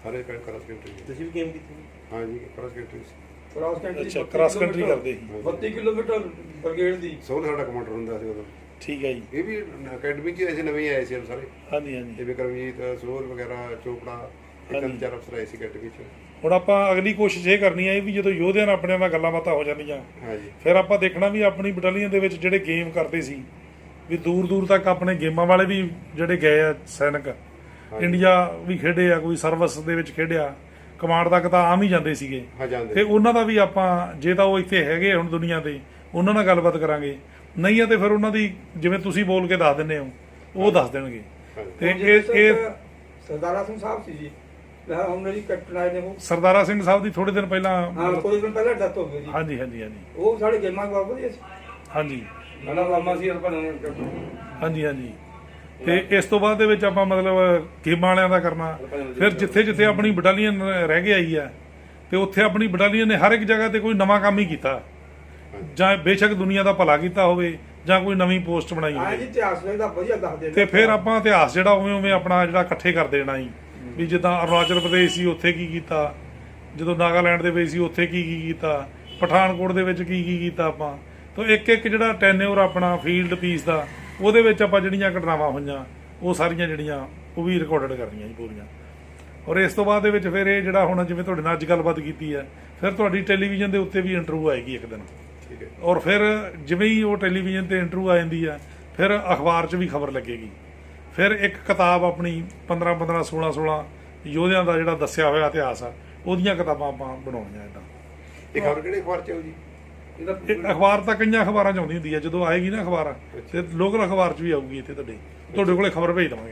S4: ਸਾਰੇ ਪਿੰਡ ਕ੍ਰਾਸ ਕੰਟਰੀ
S2: ਤੁਸੀਂ ਵੀ ਗੇਮ ਕੀਤੀ?
S4: ਹਾਂ ਜੀ ਕ੍ਰਾਸ ਕੰਟਰੀ
S3: ਕ੍ਰਾਸ ਕੰਟਰੀ
S1: ਅੱਛਾ ਕ੍ਰਾਸ ਕੰਟਰੀ ਕਰਦੇ ਸੀ।
S3: ਬੱਤੀ ਕਿਲੋਮੀਟਰ ਬ੍ਰਿਗੇਡ ਦੀ
S4: ਸੋਲ ਸਾਡਾ ਕਮਾਂਡਰ ਹੁੰਦਾ ਸੀ ਉਦੋਂ।
S1: ਠੀਕ ਹੈ ਜੀ।
S4: ਇਹ ਵੀ ਅਕੈਡਮੀ 'ਚ ਅਸੀਂ ਨਵੇਂ ਆਏ ਸੀ ਸਾਰੇ।
S1: ਹਾਂਜੀ ਹਾਂਜੀ।
S4: ਇਹ ਵਿਕਰਮਜੀਤ ਸੋਲ ਵਗੈਰਾ ਚੋਪੜਾ ਇੱਕ
S1: ਹਾਂਜੀ।
S4: ਚਾਰ ਅਫਸਰ ਆਏ ਸੀ ਅਕੈਡਮੀ 'ਚ।
S1: ਹੁਣ ਆਪਾਂ ਅਗਲੀ ਕੋਸ਼ਿਸ਼ ਇਹ ਕਰਨੀ ਹੈ ਵੀ ਜਦੋਂ ਯੋਧਿਆਂ ਨਾਲ ਆਪਣੇ ਨਾਲ ਗੱਲਾਂ ਬਾਤਾਂ ਹੋ ਜਾਂਦੀਆਂ
S4: ਹਾਂ ਜੀ
S1: ਫਿਰ ਆਪਾਂ ਦੇਖਣਾ ਵੀ ਆਪਣੀ ਬਟਾਲੀਅਨ ਦੇ ਵਿੱਚ ਜਿਹੜੇ ਗੇਮ ਕਰਦੇ ਸੀ ਵੀ ਦੂਰ ਦੂਰ ਤੱਕ ਆਪਣੇ ਗੇਮਾਂ ਵਾਲੇ ਵੀ ਜਿਹੜੇ ਗਏ ਆ ਸੈਨਿਕ ਇੰਡੀਆ ਵੀ ਖੇਡੇ ਆ, ਕੋਈ ਸਰਵਿਸ ਦੇ ਵਿੱਚ ਖੇਡਿਆ, ਕਮਾਂਡ ਤੱਕ ਤਾਂ ਆਮ ਹੀ ਜਾਂਦੇ ਸੀਗੇ।
S4: ਹਾਂ
S1: ਤੇ
S4: ਜਾਂਦੇ
S1: ਉਹਨਾਂ ਦਾ ਵੀ ਆਪਾਂ ਜੇ ਤਾਂ ਉਹ ਇੱਥੇ ਹੈਗੇ ਹੁਣ ਦੁਨੀਆ ਤੇ ਉਹਨਾਂ ਨਾਲ ਗੱਲਬਾਤ ਕਰਾਂਗੇ, ਨਹੀਂ ਆ ਤੇ ਫਿਰ ਉਹਨਾਂ ਦੀ ਜਿਵੇਂ ਤੁਸੀਂ ਬੋਲ ਕੇ ਦੱਸ ਦਿੰਦੇ ਹੋ ਉਹ ਦੱਸ ਦੇਣਗੇ। ਤੇ ਇਹ ਇਹ
S3: ਸਰਦਾਰਾ ਸਿੰਘ ਸਾਹਿਬ ਸੀ ਜੀ, ਮੈਂ ਉਹਨਾਂ ਦੀ ਕੈਪਟਨ ਆਏ ਨੇ ਉਹ।
S1: ਸਰਦਾਰਾ ਸਿੰਘ ਸਾਹਿਬ ਦੀ ਥੋੜੇ ਦਿਨ ਪਹਿਲਾਂ
S3: ਹਾਂ ਕੋਈ ਦਿਨ ਪਹਿਲਾਂ ਡੈਥ ਹੋ ਗਈ ਜੀ।
S1: ਹਾਂਜੀ ਹਾਂਜੀ ਹਾਂਜੀ
S3: ਉਹ ਸਾਡੇ ਗੇਮਾਂ ਬਹੁਤ ਵਧੀਆ ਸੀ।
S1: ਹਾਂਜੀ
S3: ਸਾਡਾ ਮਾਮਾ ਸੀ ਆਪਾਂ
S1: ਹਾਂਜੀ ਹਾਂਜੀ। ਤੇ ਇਸ ਤੋਂ ਬਾਅਦ ਦੇ ਵਿੱਚ ਆਪਾਂ ਮਤਲਬ ਗੇਮਾਂ ਵਾਲਿਆਂ ਦਾ ਕਰਨਾ, ਫਿਰ ਜਿੱਥੇ ਜਿੱਥੇ ਆਪਣੀ ਬਟਾਲੀਅਨ ਰਹਿ ਕੇ ਆਈ ਆ ਤੇ ਉੱਥੇ ਆਪਣੀ ਬਟਾਲੀਅਨ ਨੇ ਹਰ ਇੱਕ ਜਗ੍ਹਾ ਤੇ ਕੋਈ ਨਵਾਂ ਕੰਮ ਹੀ ਕੀਤਾ, ਜਾਂ ਬੇਸ਼ੱਕ ਦੁਨੀਆ ਦਾ ਭਲਾ ਕੀਤਾ ਹੋਵੇ ਜਾਂ ਕੋਈ ਨਵੀਂ ਪੋਸਟ ਬਣਾਈ
S3: ਹਾਂ ਜੀ
S1: ਹੋਵੇ।
S3: ਇਤਿਹਾਸ ਦਾ ਵਧੀਆ ਦੱਸਦੇ ਨੇ।
S1: ਤੇ ਫਿਰ ਆਪਾਂ ਇਤਿਹਾਸ ਜਿਹੜਾ ਉਵੇਂ ਉਵੇਂ ਆਪਣਾ ਜਿਹੜਾ ਇਕੱਠੇ ਕਰ ਦੇਣਾ ਜੀ, ਵੀ ਜਿੱਦਾਂ ਅਰੁਣਾਚਲ ਪ੍ਰਦੇਸ਼ ਸੀ ਉੱਥੇ ਕੀ ਕੀਤਾ, ਜਦੋਂ ਨਾਗਾਲੈਂਡ ਦੇ ਵਿੱਚ ਸੀ ਉੱਥੇ ਕੀ ਕੀ ਕੀਤਾ, ਪਠਾਨਕੋਟ ਦੇ ਵਿੱਚ ਕੀ ਕੀ ਕੀਤਾ ਆਪਾਂ। ਤਾਂ ਇੱਕ ਇੱਕ ਜਿਹੜਾ ਟੈਨਿਓਰ ਆਪਣਾ ਫੀਲਡ ਪੀਸ ਦਾ ਉਹਦੇ ਵਿੱਚ ਆਪਾਂ ਜਿਹੜੀਆਂ ਘਟਨਾਵਾਂ ਹੋਈਆਂ ਉਹ ਸਾਰੀਆਂ ਜਿਹੜੀਆਂ ਉਹ ਵੀ ਰਿਕਾਰਡਡ ਕਰਨੀਆਂ ਜੀ ਪੂਰੀਆਂ। ਔਰ ਇਸ ਤੋਂ ਬਾਅਦ ਦੇ ਵਿੱਚ ਫਿਰ ਇਹ ਜਿਹੜਾ ਹੁਣ ਜਿਵੇਂ ਤੁਹਾਡੇ ਨਾਲ ਅੱਜ ਗੱਲਬਾਤ ਕੀਤੀ ਹੈ, ਫਿਰ ਤੁਹਾਡੀ ਟੈਲੀਵਿਜ਼ਨ ਦੇ ਉੱਤੇ ਵੀ ਇੰਟਰਵਿਊ ਆਏਗੀ ਇੱਕ ਦਿਨ।
S4: ਠੀਕ ਹੈ।
S1: ਔਰ ਫਿਰ ਜਿਵੇਂ ਹੀ ਉਹ ਟੈਲੀਵਿਜ਼ਨ ਤੇ ਇੰਟਰਵਿਊ ਆ ਜਾਂਦੀ ਹੈ ਫਿਰ ਅਖਬਾਰ 'ਚ ਵੀ ਖਬਰ ਲੱਗੇਗੀ। ਫਿਰ ਇੱਕ ਕਿਤਾਬ ਆਪਣੀ ਪੰਦਰਾਂ ਪੰਦਰਾਂ ਸੋਲਾਂ ਸੋਲਾਂ ਯੋਧਿਆਂ ਦਾ ਜਿਹੜਾ ਦੱਸਿਆ ਹੋਇਆ ਇਤਿਹਾਸ ਆ ਉਹਦੀਆਂ ਕਿਤਾਬਾਂ ਆਪਾਂ ਬਣਾਉਣੀਆਂ ਇੱਦਾਂ।
S4: ਇਹ ਖਬਰ ਕਿਹੜੇ ਅਖਬਾਰ 'ਚ ਆਉ ਜੀ?
S1: ਇਹ ਅਖਬਾਰ ਤਾਂ ਕਈਆਂ ਅਖਬਾਰਾਂ 'ਚ ਆਉਂਦੀ ਹੁੰਦੀ ਹੈ, ਜਦੋਂ ਆਏਗੀ ਨਾ ਅਖਬਾਰ ਤੇ ਲੋਕਲ ਅਖਬਾਰ 'ਚ ਵੀ ਆਊਗੀ ਇੱਥੇ ਤੁਹਾਡੇ ਤੁਹਾਡੇ ਕੋਲੇ ਖਬਰ ਭੇਜ ਦੇਵਾਂਗੇ।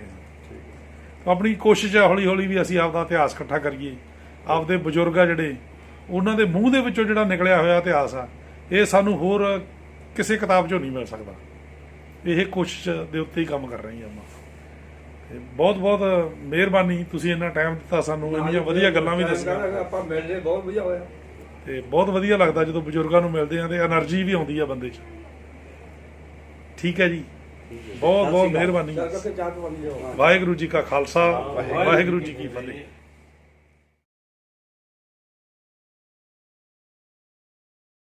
S1: ਆਪਣੀ ਕੋਸ਼ਿਸ਼ ਹੈ ਹੌਲੀ ਹੌਲੀ ਵੀ ਅਸੀਂ ਆਪਦਾ ਇਤਿਹਾਸ ਇਕੱਠਾ ਕਰੀਏ, ਆਪਦੇ ਬਜ਼ੁਰਗ ਆ ਜਿਹੜੇ ਉਹਨਾਂ ਦੇ ਮੂੰਹ ਦੇ ਵਿੱਚੋਂ ਜਿਹੜਾ ਨਿਕਲਿਆ ਹੋਇਆ ਇਤਿਹਾਸ ਆ ਇਹ ਸਾਨੂੰ ਹੋਰ ਕਿਸੇ ਕਿਤਾਬ 'ਚੋਂ ਨਹੀਂ ਮਿਲ ਸਕਦਾ। ਇਹ ਕੋਸ਼ਿਸ਼ ਦੇ ਉੱਤੇ ਹੀ ਕੰਮ ਕਰ ਰਹੇ ਹਾਂ ਆਪਾਂ। ਤੇ ਬਹੁਤ ਬਹੁਤ ਮਿਹਰਬਾਨੀ, ਤੁਸੀਂ ਇੰਨਾ ਟਾਈਮ ਦਿੱਤਾ ਸਾਨੂੰ, ਇੰਨੀਆਂ ਵਧੀਆ ਗੱਲਾਂ ਵੀ ਦੱਸੀਆਂ
S3: ਆਪਾਂ ਮਿਲਦੇ ਬਹੁਤ ਵਧੀਆ ਹੋਇਆ।
S1: ਤੇ ਬਹੁਤ ਵਧੀਆ ਲੱਗਦਾ ਜਦੋਂ ਬਜ਼ੁਰਗਾਂ ਨੂੰ ਮਿਲਦੇ ਆ ਤੇ એનર્ਜੀ ਵੀ ਆਉਂਦੀ ਆ ਬੰਦੇ 'ਚ। ਠੀਕ ਹੈ ਜੀ, ਬਹੁਤ ਬਹੁਤ ਮਿਹਰਬਾਨੀ। ਵਾਹਿਗੁਰੂ ਜੀ ਕਾ ਖਾਲਸਾ, ਵਾਹਿਗੁਰੂ ਜੀ ਕੀ ਫਤਿਹ।